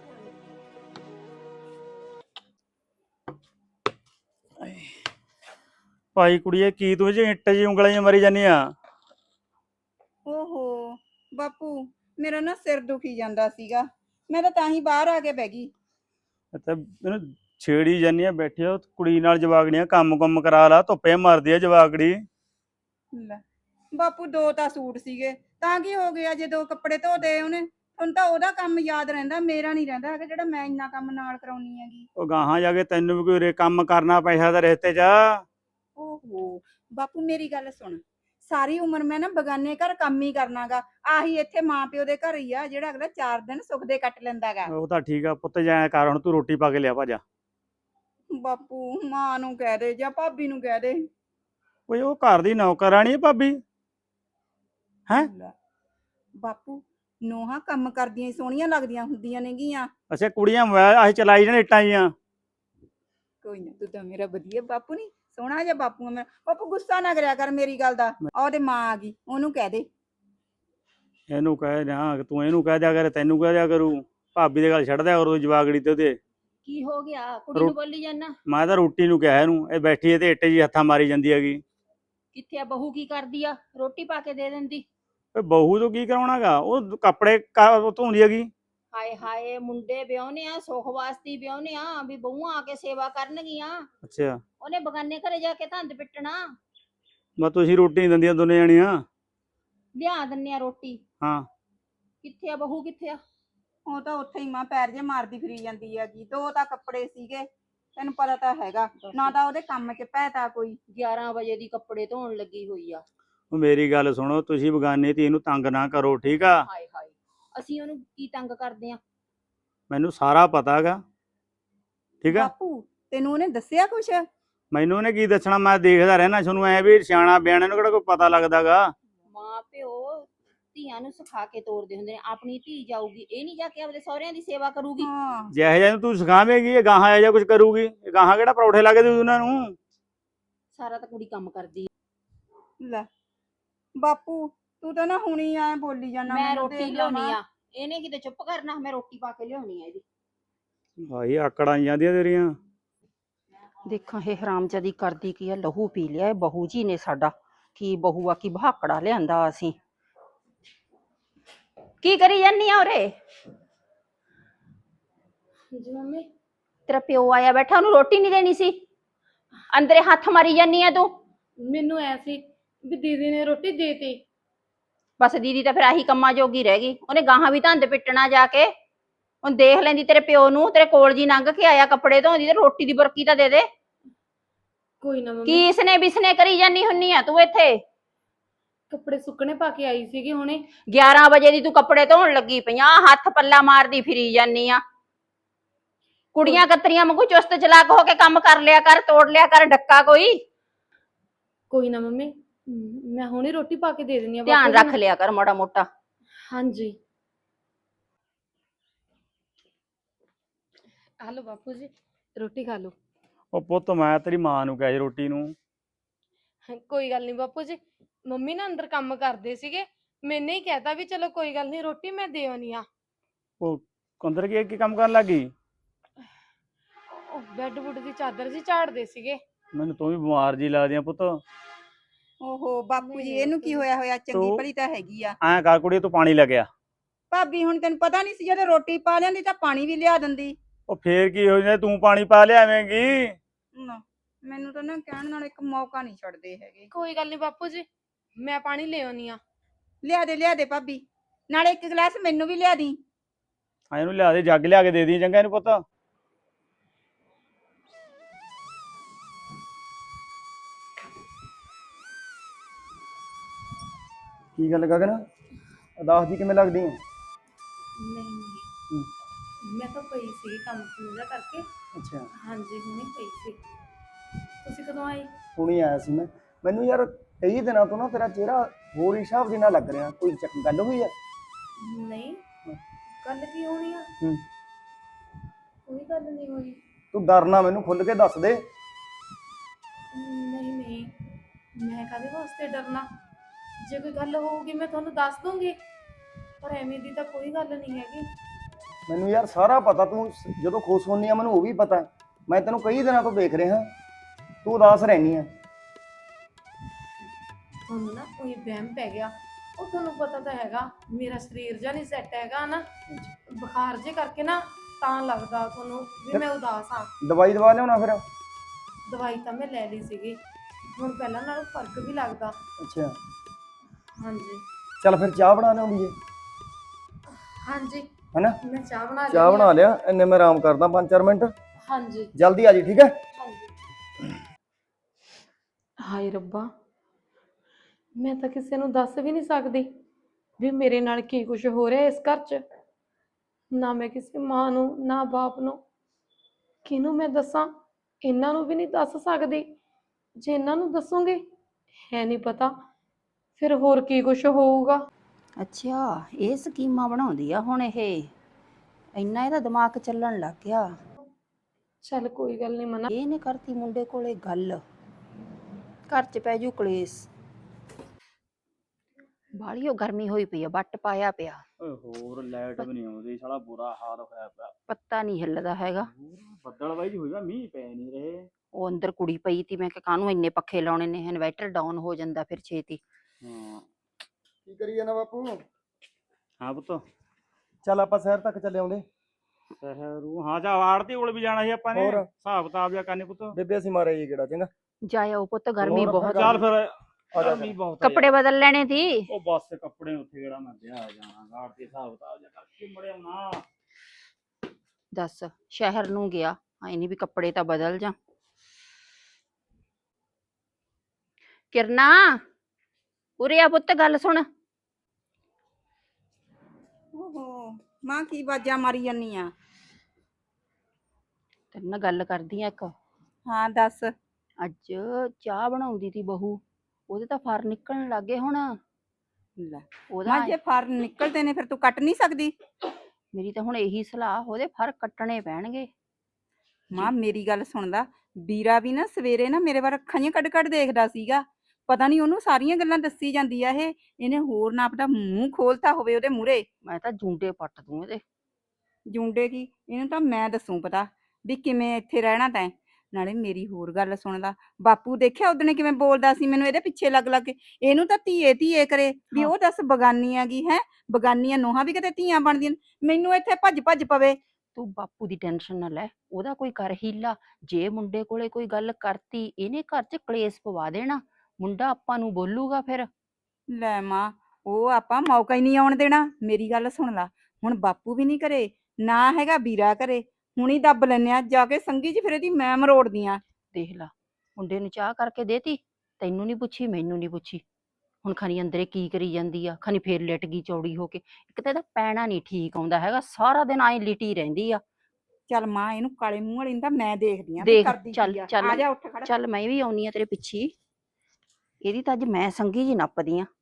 ਭਾਈ ਕੁੜੀਏ ਕੀ ਤੂੰ ਜੇ ਇੱਟ ਜੀ ਉਂਗਲਾਂ ਜਿਹੀਆਂ ਮਾਰੀ ਜਾਂਦੀ ਆ?
ਓਹੋ ਬਾਪੂ, ਮੇਰਾ ਨਾ ਸਿਰ ਦੁਖੀ ਜਾਂਦਾ ਸੀਗਾ, ਮੈਂ ਤਾਂ ਤਾਂ ਹੀ ਬਾਹਰ ਆ ਕੇ ਬਹਿ ਗਈ।
ਤੇ ਮੈਨੂੰ ਛੇੜੀ ਜਾਂਦੀ ਆ, ਬੈਠੀ ਆ ਕੁੜੀ ਨਾਲ ਜਵਾਗੜੀਆਂ, ਕੰਮ ਕੁੰਮ ਕਰਾ ਲਾ, ਧੁੱਪੇ ਮਰਦੀ ਆ ਜਵਾਗੜੀ।
ਲੈ ਬਾਪੂ, ਦੋ ਤਾਂ ਸੂਟ ਸੀਗੇ, ਤਾਂ ਕੀ ਹੋ ਗਿਆ ਜੇ ਦੋ ਕੱਪੜੇ ਧੋ ਦੇ ਉਹਨੇ? ਹੁਣ ਤਾਂ ਉਹਦਾ ਕੰਮ ਯਾਦ ਰਹਿੰਦਾ, ਮੇਰਾ ਨਹੀਂ ਰਹਿੰਦਾ ਹੈਗਾ ਜਿਹੜਾ ਮੈਂ ਇੰਨਾ ਕੰਮ ਨਾਲ ਕਰਾਉਣੀ ਹੈਗੀ।
ਉਹ ਗਾਹਾਂ ਜਾ ਕੇ ਤੈਨੂੰ ਵੀ ਕੋਈ ਰੇ- ਕੰਮ ਕਰਨਾ ਪੈਸਾ ਦਾ ਰਿਸ਼ਤੇ 'ਚ।
ਓਹੋ ਬਾਪੂ, ਮੇਰੀ ਗੱਲ ਸੁਣ, ਸਾਰੀ ਉਮਰ ਮੈਂ ਨਾ ਬਗਾਨੇ ਘਰ ਕੰਮ ਹੀ ਕਰਨਾਗਾ, ਆਹੀ ਇੱਥੇ ਮਾਂ ਪਿਓ ਦੇ ਘਰ ਹੀ ਆ ਜਿਹੜਾ ਅਗਲਾ ਚਾਰ ਦਿਨ ਸੁੱਖ ਦੇ ਕੱਟ ਲੈਂਦਾਗਾ।
ਉਹ ਤਾਂ ਠੀਕ ਆ ਪੁੱਤ, ਜਾਇਆ ਕਰ ਹੁਣ ਤੂੰ ਰੋਟੀ ਪਾ ਕੇ ਲਿਆ ਭਾਜਾ।
ਬਾਪੂ ਮਾਂ ਨੂੰ ਕਹਿ ਦੇ ਜਾਂ ਭਾਬੀ ਨੂੰ ਕਹਿ ਦੇ।
ਓਏ ਉਹ ਘਰ ਦੀ ਨੌਕਰਾਣੀ ਹੈ ਭਾਬੀ। ਹੈਂ?
ਲੈ, ਬਾਪੂ ਨੋਹਾਂ ਕੰਮ ਕਰਦੀਆਂ ਹੀ ਸੋਹਣੀਆਂ ਲੱਗਦੀਆਂ ਹੁੰਦੀਆਂ ਨੇਗੀਆਂ।
ਅੱਛਾ ਕੁੜੀਆਂ ਮੋਬਾਈਲ ਆਹੀ ਚਲਾਈ ਜਾਣ ਇੱਟਾਂ ਜੀਆਂ।
ਕੋਈ ਨਾ, ਤੂੰ ਤਾਂ ਮੇਰਾ ਵਧੀਆ ਬਾਪੂ ਨਹੀਂ, ਸੋਹਣਾ ਜਿਹਾ ਬਾਪੂ ਆ ਮੇਰਾ। ਬਾਪੂ ਗੁੱਸਾ ਨਾ ਕਰਿਆ ਕਰ ਮੇਰੀ ਗੱਲ ਦਾ, ਆ ਉਹਦੇ ਮਾਂ ਆ ਗਈ, ਉਹਨੂੰ ਕਹਿ ਦੇ।
ਇਹਨੂੰ ਕਹਿ ਦਿਆਂ, ਤੂੰ ਇਹਨੂੰ ਕਹਿ ਦਿਆ ਕਰ, ਤੈਨੂੰ ਕਹਿ ਦਿਆ ਕਰੂ। ਭਾਬੀ ਦੇ ਗੱਲ ਛੱਡ ਦਿਆ ਕਰੂ ਜਵਾਗੜੀ ਤੇ ਉਹਦੇ।
ਕੀ ਹੋ ਗਿਆ? ਕੁੜੀ ਨੂੰ
ਰੋ-
ਬੋਲੀ ਜਾਨਾ?
ਮੈਂ ਤਾਂ ਰੋਟੀ ਨੂੰ ਕਿਹਾ ਇਹਨੂੰ, ਇਹ ਬੈਠੀ ਹੈ ਤੇ ਇੱਟ ਜੀ ਹੱਥਾਂ ਮਾਰੀ ਜਾਂਦੀ ਹੈਗੀ।
ਕਿੱਥੇ ਆ ਬਹੂ? ਕੀ ਕਰਦੀ ਆ? ਰੋਟੀ ਪਾ ਕੇ ਦੇ ਦਿੰਦੀ।
ਓਏ ਬਹੂ ਤੋਂ ਕੀ ਕਰਾਉਣਾਗਾ, ਉਹ ਕੱਪੜੇ ਕ- ਧੋਂਦੀ ਹੈਗੀ।
ਹਾਏ ਹਾਏ, ਮੁੰਡੇ ਵਿਆਹੁਨੇ ਆ, ਸੁੱਖ ਵਾਸਤੇ ਵਿਆਹੁਨੇ ਆ ਵੀ ਬਹੂਆਂ ਆ ਕੇ ਸੇਵਾ ਕਰਨਗੀਆਂ।
ਅੱਛਾ
ਉਹਨੇ ਬਗਾਨੇ ਘਰੇ ਜਾ ਕੇ ਧੰਦ ਪਿੱਟਣਾ।
ਮੈਂ ਤੁਸੀਂ ਰੋਟੀ ਨਹੀਂ ਦਿੰਦੀਆਂ ਦੋਨੇ ਜਾਣੀਆਂ?
ਲਿਆ ਦਿੰਨੇ ਆ ਰੋਟੀ।
ਹਾਂ
ਕਿੱਥੇ ਆ ਬਹੂ? ਕਿੱਥੇ ਆ?
ਉਹ ਤਾਂ ਉੱਥੇ ਹੀ ਮਾਂ ਪੈਰ ਜੇ ਮਾਰਦੀ ਫਿਰੀ ਜਾਂਦੀ ਹੈਗੀ। ਦੋ ਤਾਂ ਕੱਪੜੇ ਸੀਗੇ, ਤੈਨੂੰ ਪਤਾ ਤਾਂ ਹੈਗਾ, ਨਾ ਤਾਂ ਉਹਦੇ ਕੰਮ 'ਚ ਪੈ ਤਾ ਕੋਈ।
ਗਿਆਰਾਂ ਵਜੇ ਦੀ ਕੱਪੜੇ ਧੋਣ ਲੱਗੀ ਹੋਈ ਆ।
ਉਹ ਮੇਰੀ ਗੱਲ ਸੁਣੋ, ਤੁਸੀਂ ਬਗਾਨੇ ਤੇ ਇਹਨੂੰ ਤੰਗ ਨਾ ਕਰੋ, ਠੀਕ ਆ?
ਹਾਏ ਹਾਏ, ਅਸੀਂ ਉਹਨੂੰ ਕੀ ਤੰਗ ਕਰਦੇ ਆ?
ਮੈਨੂੰ ਸਾਰਾ ਪਤਾ ਹੈਗਾ, ਠੀਕ ਆ?
ਬਾਪੂ ਤੈਨੂੰ ਉਹਨੇ ਦੱਸਿਆ ਕੁਛ?
ਮੈਨੂੰ ਉਹਨੇ ਕੀ ਦੱਸਣਾ, ਮੈਂ ਦੇਖਦਾ ਰਹਿਣਾ ਤੁਹਾਨੂੰ, ਐ ਵੀ ਸਿਆਣਾ ਬਿਆਣਾ ਨੂੰ ਕਿਹੜਾ ਕੋਈ ਪਤਾ ਲੱਗਦਾਗਾ।
ਮਾਂ ਪਿਓ ਧੀਆਂ ਨੂੰ ਸਿਖਾ ਕੇ ਤੋਰਦੇ ਹੁੰਦੇ ਨੇ। ਆਪਣੀ ਧੀ ਜਾਊਗੀ, ਇਹ ਨਹੀਂ ਜਾ ਕੇ ਆਪਦੇ ਸਹੁਰਿਆਂ ਦੀ ਸੇਵਾ ਕਰੂਗੀ।
ਹਾਂ
ਜਿਹੋ ਜਿਹਾ ਤੂੰ ਸਿਖਾਵੇਂਗੀ ਇਹ ਗਾਹਾਂ ਇਹੋ ਜਿਹਾ ਕੁਝ ਕਰੂਗੀ। ਇਹ ਗਾਹਾਂ ਕਿਹੜਾ ਪਰੌਠੇ ਲਾ ਕੇ ਦੇਊ ਉਹਨਾਂ ਨੂੰ?
ਸਾਰਾ ਤਾਂ ਕੁੜੀ ਕੰਮ ਕਰਦੀ।
ਲੈ ਬਾਪੂ, ਤੂੰ ਤਾਂ ਨਾ ਹੁਣੀ ਐ ਬੋਲੀ ਜਾਣਾ।
ਮੈਂ ਰੋਟੀ ਲਿਆਉਣੀ ਆ, ਇਹਨੇ ਕਿਤੇ ਚੁੱਪ ਕਰਨਾ। ਮੈਂ ਰੋਟੀ ਪਾ ਕੇ ਲਿਆਉਣੀ ਆ ਇਹਦੀ।
ਭਾਈ ਆਕੜਾਂ ਆਈ ਜਾਂਦੀਆਂ ਤੇਰੀਆਂ।
ਦੇਖਾਂ ਇਹ ਹਰਾਮਜ਼ਾਦੀ ਕਰਦੀ ਕੀ ਆ। ਲਹੂ ਪੀ ਲਿਆ ਇਹ ਬਹੂ ਜੀ ਨੇ ਸਾਡਾ। ਕੀ ਬਹੂ ਆ, ਕੀ ਬਹਾਕੜਾ ਲਿਆਂਦਾ ਅਸੀਂ। ਕੀ ਕਰੀ ਜਾਨੀ ਆ ਉਰੇ?
ਜੀ ਮੰਮੀ।
ਤੇਰਾ ਪਿਓ ਆਇਆ ਬੈਠਾ, ਉਹਨੂੰ ਰੋਟੀ ਨਹੀਂ ਦੇਣੀ ਸੀ? ਅੰਦਰੇ ਹੱਥ ਮਾਰੀ ਜਾਨੀ ਆ ਤੂੰ।
ਮੈਨੂੰ ਐ ਸੀ ਵੀ ਦੀਦੀ ਨੇ ਰੋਟੀ ਦੇਤੀ।
ਬਸ ਦੀਦੀ ਤਾਂ ਫਿਰ ਆਹੀ ਕੰਮਾਂ ਜੋਗੀ ਰਹਿ ਗਈ। ਉਹਨੇ ਗਾਹਾਂ ਵੀ ਧੰਦ ਪਿੱਟਣਾ ਜਾ ਕੇ। ਹੁਣ ਦੇਖ ਲੈਂਦੀ ਤੇਰੇ ਪਿਓ ਨੂੰ, ਤੇਰੇ ਕੋਲ ਜੀ ਲੰਘ ਕੇ ਆਇਆ ਕੱਪੜੇ ਧੋਂਦੀ, ਤੇ ਰੋਟੀ ਦੀ ਬਰਕੀ ਤਾਂ ਦੇ ਦੇ।
ਕੋਈ ਨਾ ਮੰਮੀ,
ਕੀ ਇਸਨੇ ਬਿਸਨੇ ਕਰੀ ਜਾਨੀ ਹੁੰਨੀ ਆ ਤੂੰ ਇੱਥੇ?
ਕੱਪੜੇ ਸੁੱਕਣੇ ਪਾ ਕੇ ਆਈ ਸੀਗੀ ਹੁਣੇ।
ਗਿਆਰਾਂ ਵਜੇ ਦੀ ਤੂੰ ਕੱਪੜੇ ਧੋਣ ਲੱਗੀ ਪਈਆਂ, ਹੱਥ ਪੱਲਾ ਮਾਰਦੀ ਫਿਰੀ ਜਾਨੀ ਆ। ਕੁੜੀਆਂ ਕਤਰੀਆਂ ਵਾਂਗੂ ਚੁਸਤ ਚਲਾਕ ਹੋ ਕੇ ਕੰਮ ਕਰ ਲਿਆ ਕਰ, ਤੋੜ ਲਿਆ ਕਰ ਡੱਕਾ ਕੋਈ।
ਕੋਈ ਨਾ ਮੰਮੀ, ਮੈਂ ਹੁਣੇ ਰੋਟੀ ਪਾ ਕੇ ਦੇ ਦਿੰਨੀ ਆ।
ਧਿਆਨ ਰੱਖ ਲਿਆ ਕਰ ਮਾੜਾ ਮੋਟਾ।
ਹਾਂਜੀ। ਹਲੋ ਬਾਪੂ ਜੀ, ਰੋਟੀ ਖਾ ਲਓ।
ਉਹ ਪੁੱਤ ਮੈਂ ਤੇਰੀ ਮਾਂ ਨੂੰ ਕਿਹਾ ਸੀ ਰੋਟੀ ਨੂੰ।
ਕੋਈ ਗੱਲ ਨਹੀਂ ਬਾਪੂ ਜੀ, ਮੰਮੀ ਨਾ ਅੰਦਰ ਕੰਮ ਕਰਦੇ ਸੀਗੇ, ਮੈਨੇ ਹੀ ਕਹਿਤਾ ਵੀ ਚਲੋ ਕੋਈ ਗੱਲ ਨਹੀਂ, ਰੋਟੀ ਮੈਂ ਦੇ ਆਉਣੀ ਆ।
ਉਹ ਅੰਦਰ ਕੀ ਕੀ ਕੰਮ ਕਰਨ ਲੱਗੀ?
ਉਹ ਬੈੱਡ ਬੁੱਡ ਦੀ ਚਾਦਰ ਜੀ ਝਾੜਦੇ ਸੀਗੇ।
ਮੈਨੂੰ ਤੂੰ ਵੀ ਬਿਮਾਰ ਜੀ ਲੱਗਦੀ ਆ ਪੁੱਤ।
ਓਹੋ ਬਾਪੂ ਜੀ, ਇਹਨੂੰ ਕੀ ਹੋਇਆ ਹੋਇਆ? ਚੰਗੀ
ਤੂੰ-
ਭਲੀ ਤਾਂ ਹੈਗੀ ਆ।
ਐਂ ਕਰ ਕੁੜੀ, ਤੂੰ ਪਾਣੀ ਲੱਗਿਆ।
ਭਾਬੀ ਹੁਣ ਤੈਨੂੰ ਪਤਾ ਨਹੀਂ ਸੀ, ਜਦੋਂ ਰੋਟੀ ਪਾ ਲਿਆਂਦੀ ਤਾਂ ਪਾਣੀ ਵੀ ਲਿਆ ਦਿੰਦੀ।
ਉਹ ਫੇਰ ਕੀ ਹੋ ਜਾਂਦਾ, ਤੂੰ ਪਾਣੀ ਪਾ ਲਿਆਵੇਂਗੀ।
ਨਾ, ਮੈਨੂੰ ਤਾਂ ਨਾ ਕਹਿਣ ਨਾਲ ਇੱਕ ਮੌਕਾ ਨਹੀਂ ਛੱਡਦੇ ਹੈਗੇ।
ਕੋਈ ਗੱਲ ਨਹੀਂ ਬਾਪੂ ਜੀ, ਮੈਂ ਪਾਣੀ ਲੈ ਆਉਣੀ ਆ।
ਲਿਆ ਦੇ ਲਿਆ ਦੇ ਭਾਬੀ, ਨਾਲੇ ਇੱਕ ਗਲਾਸ ਮੈਨੂੰ ਵੀ ਲਿਆ ਦੀ।
ਆ ਇਹਨੂੰ ਲਿਆ ਦੇ, ਜੱਗ ਲਿਆ ਕੇ ਦੇ ਦੀ ਚੰਗਾ ਇਹਨੂੰ ਪੁੱਤ। ਕੀ ਗੱਲ ਗਗਨ, ਅਦਾਸ ਜੀ ਕਿਵੇਂ ਲੱਗਦੀ ਹੈ?
ਨਹੀਂ ਨਹੀਂ, ਮੈਂ ਤਾਂ ਪਈ ਸੀ ਕੰਮ ਪੂਰਾ ਕਰਕੇ।
ਅੱਛਾ
ਹਾਂਜੀ ਹੁਣੇ ਪਈ ਸੀ। ਤੁਸੀਂ ਕਦੋਂ ਆਏ?
ਹੁਣੀ ਆਇਆ ਸੀ ਮੈਂ। ਮੈਨੂੰ ਯਾਰ ਕਈ ਦਿਨਾਂ ਤੋਂ ਨਾ ਤੇਰਾ ਚਿਹਰਾ ਹੋਰ ਹੀ ਹਿਸਾਬ ਦੇ ਨਾਲ ਲੱਗ ਰਿਹਾ। ਕੋਈ ਚੱਕ ਗੱਲ ਹੋਈ ਹੈ?
ਨਹੀਂ ਗੱਲ ਕੀ ਹੋਣੀ ਆ?
ਹੂੰ।
ਕੋਈ ਗੱਲ ਨਹੀਂ ਹੋਈ।
ਤੂੰ ਡਰਨਾ, ਮੈਨੂੰ ਖੁੱਲ ਕੇ ਦੱਸ ਦੇ।
ਨਹੀਂ ਨਹੀਂ, ਮੈਂ ਕਾਹਦੇ ਵਾਸਤੇ ਡਰਨਾ? ਜੇ ਕੋਈ ਗੱਲ ਹੋਊਗੀ ਮੈਂ ਤੁਹਾਨੂੰ ਦੱਸ ਦੂੰਗੀ, ਪਰ ਐਵੇਂ ਦੀ ਤਾਂ ਕੋਈ ਗੱਲ ਨਹੀਂ ਹੈਗੀ।
ਮੈਨੂੰ ਯਾਰ ਸਾਰਾ ਪਤਾ, ਤੂੰ ਸ- ਜਦੋਂ ਖੁਸ਼ ਹੁੰਨੀ ਆ ਮੈਨੂੰ ਉਹ ਵੀ ਪਤਾ। ਮੈਂ ਤੈਨੂੰ ਕਈ ਦਿਨਾਂ ਤੋਂ ਦੇਖ ਰਿਹਾ, ਤੂੰ ਉਦਾਸ ਰਹਿਨੀ ਆ।
ਤੁਹਾਨੂੰ ਨਾ ਕੋਈ ਵਹਿਮ ਪੈ ਗਿਆ। ਉਹ ਤੁਹਾਨੂੰ ਪਤਾ ਤਾਂ ਹੈਗਾ ਮੇਰਾ ਸਰੀਰ ਜਿਹਾ ਨਹੀਂ ਸੈੱਟ ਹੈਗਾ ਨਾ, ਬੁਖਾਰ ਜੇ ਕਰਕੇ ਨਾ ਤਾਂ ਲੱਗਦਾ ਤੁਹਾਨੂੰ ਵੀ ਮੈਂ ਉਦਾਸ ਆ।
ਦਵਾਈ ਦਵਾ ਲਿਆਉਣਾ ਫਿਰ।
ਦਵਾਈ ਤਾਂ ਮੈਂ ਲੈ ਲਈ ਸੀਗੀ, ਹੁਣ ਪਹਿਲਾਂ ਨਾਲੋਂ ਫਰਕ ਵੀ ਲੱਗਦਾ।
ਅੱਛਾ,
ਹਾਂਜੀ
ਚੱਲ ਫਿਰ ਚਾਹ ਬਣਾ ਲਿਆਉਂਦੀ ਏ।
ਹਾਂਜੀ,
ਹੈਨਾ,
ਮੈਂ ਚਾਹ ਬਣਾ ਲਈ।
ਚਾਹ ਬਣਾ ਲਿਆ, ਇੰਨੇ ਮੈਂ ਆਰਾਮ ਕਰਦਾ ਪੰਜ ਚਾਰ ਮਿੰਟ।
ਹਾਂਜੀ
ਜਲਦੀ ਆ ਜੀ, ਠੀਕ ਹੈ।
ਹਾਂਜੀ। ਹਾਏ ਰੱਬਾ, ਮੈਂ ਤਾਂ ਕਿਸੇ ਨੂੰ ਦੱਸ ਵੀ ਨਹੀਂ ਸਕਦੀ ਵੀ ਮੇਰੇ ਨਾਲ ਕੀ ਕੁਝ ਹੋ ਰਿਹਾ ਇਸ ਘਰ 'ਚ। ਨਾ ਮੈਂ ਕਿਸੇ ਮਾਂ ਨੂੰ, ਨਾ ਬਾਪ ਨੂੰ, ਕਿਹਨੂੰ ਮੈਂ ਦੱਸਾਂ? ਇਹਨਾਂ ਨੂੰ ਵੀ ਨਹੀਂ ਦੱਸ ਸਕਦੀ। ਜੇ ਇਹਨਾਂ ਨੂੰ ਦੱਸੂਗੀ ਹੈ ਨਹੀਂ ਪਤਾ ਫਿਰ ਹੋਰ ਕੀ ਕੁਝ ਹੋਊਗਾ।
ਅੱਛਾ, ਇਹ ਸਕੀਮਾਂ ਬਣਾਉਂਦੀ ਆ ਹੁਣ ਇਹ, ਇੰਨਾ ਇਹਦਾ ਦਿਮਾਗ ਚੱਲਣ ਲੱਗ ਗਿਆ।
ਚੱਲ ਕੋਈ ਗੱਲ ਨਹੀਂ ਮਨਾ।
ਇਹ ਨੇ ਕਰਤੀ ਮੁੰਡੇ ਕੋਲੇ ਗੱਲ, ਘਰ 'ਚ ਪੈ ਜੂ ਕਲੇਸ਼। ਬਾਹਲੀ ਓ ਗਰਮੀ ਹੋਈ ਪਈ ਆ, ਵੱਟ ਪਾਇਆ ਪਿਆ,
ਓਏ ਹੋਰ ਲਾਈਟ ਵੀ ਨਹੀਂ ਆਉਂਦੀ, ਸਾਲਾ ਬੁਰਾ ਹਾਲ ਹੋਇਆ ਪਿਆ।
ਪੱਤਾ ਨਹੀਂ ਹਿੱਲਦਾ ਹੈਗਾ।
ਬੱਦਲ ਬਾਈ ਹੋਈ ਵਾ, ਮੀਂਹ ਪੈ ਨਹੀਂ ਰਹੇ।
ਉਹ ਅੰਦਰ ਕੁੜੀ ਪਈ ਤੀ, ਮੈਂ ਕਿਹਾ ਕਾਹਨੂੰ ਇੰਨੇ ਪੱਖੇ ਲਾਉਣੇ ਨੇ, ਇਨਵਰਟਰ ਡਾਊਨ ਹੋ ਜਾਂਦਾ ਫਿਰ ਛੇਤੀ।
ਹਾਂ,
ਕੀ ਕਰੀ ਜਾਣਾ ਬਾਪੂ?
ਹਾਂ ਪੁੱਤ।
ਚੱਲ ਆਪਾਂ ਸ਼ਹਿਰ ਤੱਕ ਚੱਲੇ ਆਉਂਦੇ।
ਸਹਿਰੂ, ਹਾਂ ਜਾ ਆੜਤੀ ਕੋਲ ਵੀ ਜਾਣਾ ਸੀ ਆਪਾਂ ਨੇ,
ਹੋਰ?
ਹਿਸਾਬ ਕਿਤਾਬ ਜਿਹਾ ਕਰਨੇ ਪੁੱਤ।
ਬੇਬੇ ਅਸੀਂ ਮਾਰੇ ਜੀ ਕਿਹੜਾ, ਚੰਗਾ।
ਜਾਇਓ ਪੁੱਤ, ਗਰਮੀ
ਹੋਰ
ਬਹੁਤ
ਫਿਰ
ਚੱਲ ਫਿਰ,
ਆ ਜਾ
ਗਰਮੀ ਬਹੁਤ ਆ
ਕੱਪੜੇ
ਯਾਰ।
ਬਦਲ ਲੈਣੇ ਸੀ।
ਉਹ ਬੱਸ ਕੱਪੜੇ ਉੱਥੇ ਜਿਹੜਾ ਮੈਂ ਵਿਆਹ ਜਾਣਾ, ਆੜਤੀ ਹਿਸਾਬ ਕਿਤਾਬ ਜਿਹਾ ਕਰਕੇ ਮੜਿਆ ਨਾ।
ਦੱਸ, ਸ਼ਹਿਰ ਨੂੰ ਗਿਆ, ਐ ਨਹੀਂ ਵੀ ਕੱਪੜੇ ਤਾਂ ਬਦਲ ਜਾ। ਕਿਰਨਾ, ਉਰੇ ਆ ਪੁੱਤ, ਗੱਲ ਸੁਣ।
ਓਹੋ ਮਾਂ, ਕੀ ਬਾਜਾਂ ਮਾਰੀ ਜਾਨੀ ਆ?
ਤੇਰੇ ਨਾਲ ਗੱਲ ਕਰਦੀ ਆ ਇੱਕ।
ਹਾਂ ਦੱਸ।
ਅੱਜ ਚਾਹ ਬਣਾਉਂਦੀ ਤੀ ਬਹੂ, ਉਹਦੇ ਤਾਂ ਫਰ ਨਿਕਲਣ ਲੱਗੇ ਹੁਣ।
ਲੈ
ਉਹਦਾ
ਮਾਂ, ਜੇ ਫਰ ਨਿਕਲਦੇ ਨੇ ਫਿਰ ਤੂੰ ਕੱਟ ਨਹੀਂ ਸਕਦੀ?
ਮੇਰੀ ਤਾਂ ਹੁਣ ਇਹੀ ਸਲਾਹ, ਉਹਦੇ ਫਰ ਕੱਟਣੇ ਪੈਣਗੇ।
ਮਾਂ ਮੇਰੀ ਗੱਲ ਸੁਣਦਾ, ਵੀਰਾ ਵੀ ਨਾ ਸਵੇਰੇ ਨਾ ਮੇਰੇ ਵੱਲ ਅੱਖਾਂ ਜਿਹੀਆਂ ਕੱਢ ਕੱਢ ਦੇਖਦਾ ਸੀਗਾ। ਪਤਾ ਨਹੀਂ ਉਹਨੂੰ ਸਾਰੀਆਂ ਗੱਲਾਂ ਦੱਸੀ ਜਾਂਦੀ ਆ ਇਹ, ਇਹਨੇ ਹੋਰ ਨਾ ਆਪਣਾ ਮੂੰਹ ਖੋਲਤਾ ਹੋਵੇ ਉਹਦੇ ਮੂਹਰੇ।
ਮੈਂ ਤਾਂ ਜੂੰਡੇ ਪੱਟ ਦੂੰ ਇਹਦੇ।
ਜੂੰਡੇ ਕੀ, ਇਹਨੂੰ ਤਾਂ ਮੈਂ ਦੱਸੂ ਪਤਾ ਵੀ ਕਿਵੇਂ ਇੱਥੇ ਰਹਿਣਾ ਤੈਂ। ਨਾਲੇ ਮੇਰੀ ਹੋਰ ਗੱਲ ਸੁਣਦਾ, ਬਾਪੂ ਦੇਖਿਆ ਉਹਦਨੇ ਕਿਵੇਂ ਬੋਲਦਾ ਸੀ ਮੈਨੂੰ ਇਹਦੇ ਪਿੱਛੇ ਲੱਗ ਲੱਗ ਕੇ। ਇਹਨੂੰ ਤਾਂ ਧੀਏ ਧੀਏ ਕਰੇ ਵੀ ਉਹ ਦੱਸ ਬਗਾਨੀ ਆਗੀ ਹੈ, ਬਗਾਨੀਆਂ ਨੋਹਾਂ ਵੀ ਕਿਤੇ ਧੀਆਂ ਬਣਦੀਆਂ ਨੇ, ਮੈਨੂੰ ਇੱਥੇ ਭੱਜ ਭੱਜ ਪਵੇ।
ਤੂੰ ਬਾਪੂ ਦੀ ਟੈਨਸ਼ਨ ਨਾ ਲੈ, ਉਹਦਾ ਕੋਈ ਕਰ ਹੀਲਾ। ਜੇ ਮੁੰਡੇ ਕੋਲੇ ਕੋਈ ਗੱਲ ਕਰਤੀ, ਇਹਨੇ ਘਰ 'ਚ ਕਲੇਸ਼ ਪਵਾ ਦੇਣਾ, ਮੁੰਡਾ ਆਪਾਂ ਨੂੰ ਬੋਲੂਗਾ ਫਿਰ।
ਲੈ ਮਾਂ, ਉਹ ਆਪਾਂ ਮੌਕਾ ਹੀ ਨਹੀਂ ਆਉਣ ਦੇਣਾ। ਮੇਰੀ ਗੱਲ ਸੁਣ ਲਾ, ਹੁਣ ਬਾਪੂ ਵੀ ਨਹੀਂ ਘਰੇ, ਨਾ ਹੈਗਾ ਵੀਰਾ ਘਰੇ, ਹੁਣੀ ਦੱਬ ਲੈਨੇ ਆ ਜਾ ਕੇ ਸੰਗੀ 'ਚ, ਫਿਰ ਇਹਦੀ ਮੈਂ ਮਰੋੜਦੀ ਆ।
ਦੇਖ ਲਾ, ਮੁੰਡੇ ਨੂੰ ਚਾਹ ਕਰਕੇ ਦੇਤੀ, ਤੈਨੂੰ ਨਹੀਂ ਪੁੱਛੀ, ਮੈਨੂੰ ਨਹੀਂ ਪੁੱਛੀ। ਹੁਣ ਖਨੀ ਅੰਦਰੇ ਕੀ ਕਰੀ ਜਾਂਦੀ ਆ, ਖਨੀ ਫੇਰ ਲਿਟ ਗਈ ਚੌੜੀ ਹੋ ਕੇ। ਇੱਕ ਤਾਂ ਇਹਦਾ ਪੈਣਾ ਨਹੀਂ ਠੀਕ ਆਉਂਦਾ ਹੈਗਾ, ਸਾਰਾ ਦਿਨ ਐਂ ਲਿਟੀ ਰਹਿੰਦੀ ਆ।
ਚੱਲ ਮਾਂ, ਇਹਨੂੰ ਕਾਲੇ ਮੂੰਹ ਵਾਲੀ ਨੂੰ ਤਾਂ ਮੈਂ ਦੇਖਦੀ ਆ ਵੀ
ਦੇਖ,
ਕਰਦੀ
ਚੱਲ
ਕੀ ਆ।
ਚੱਲ
ਆ ਜਾ ਉੱਠ ਖੜ।
ਚੱਲ ਮੈਂ ਵੀ ਆਉਣੀ ਆ ਤੇਰੇ ਪਿੱਛੇ। ਇਹਦੀ ਤਾਂ ਅੱਜ ਮੈਂ ਸੰਗੀ ਜੀ ਨੱਪਦੀ ਆ।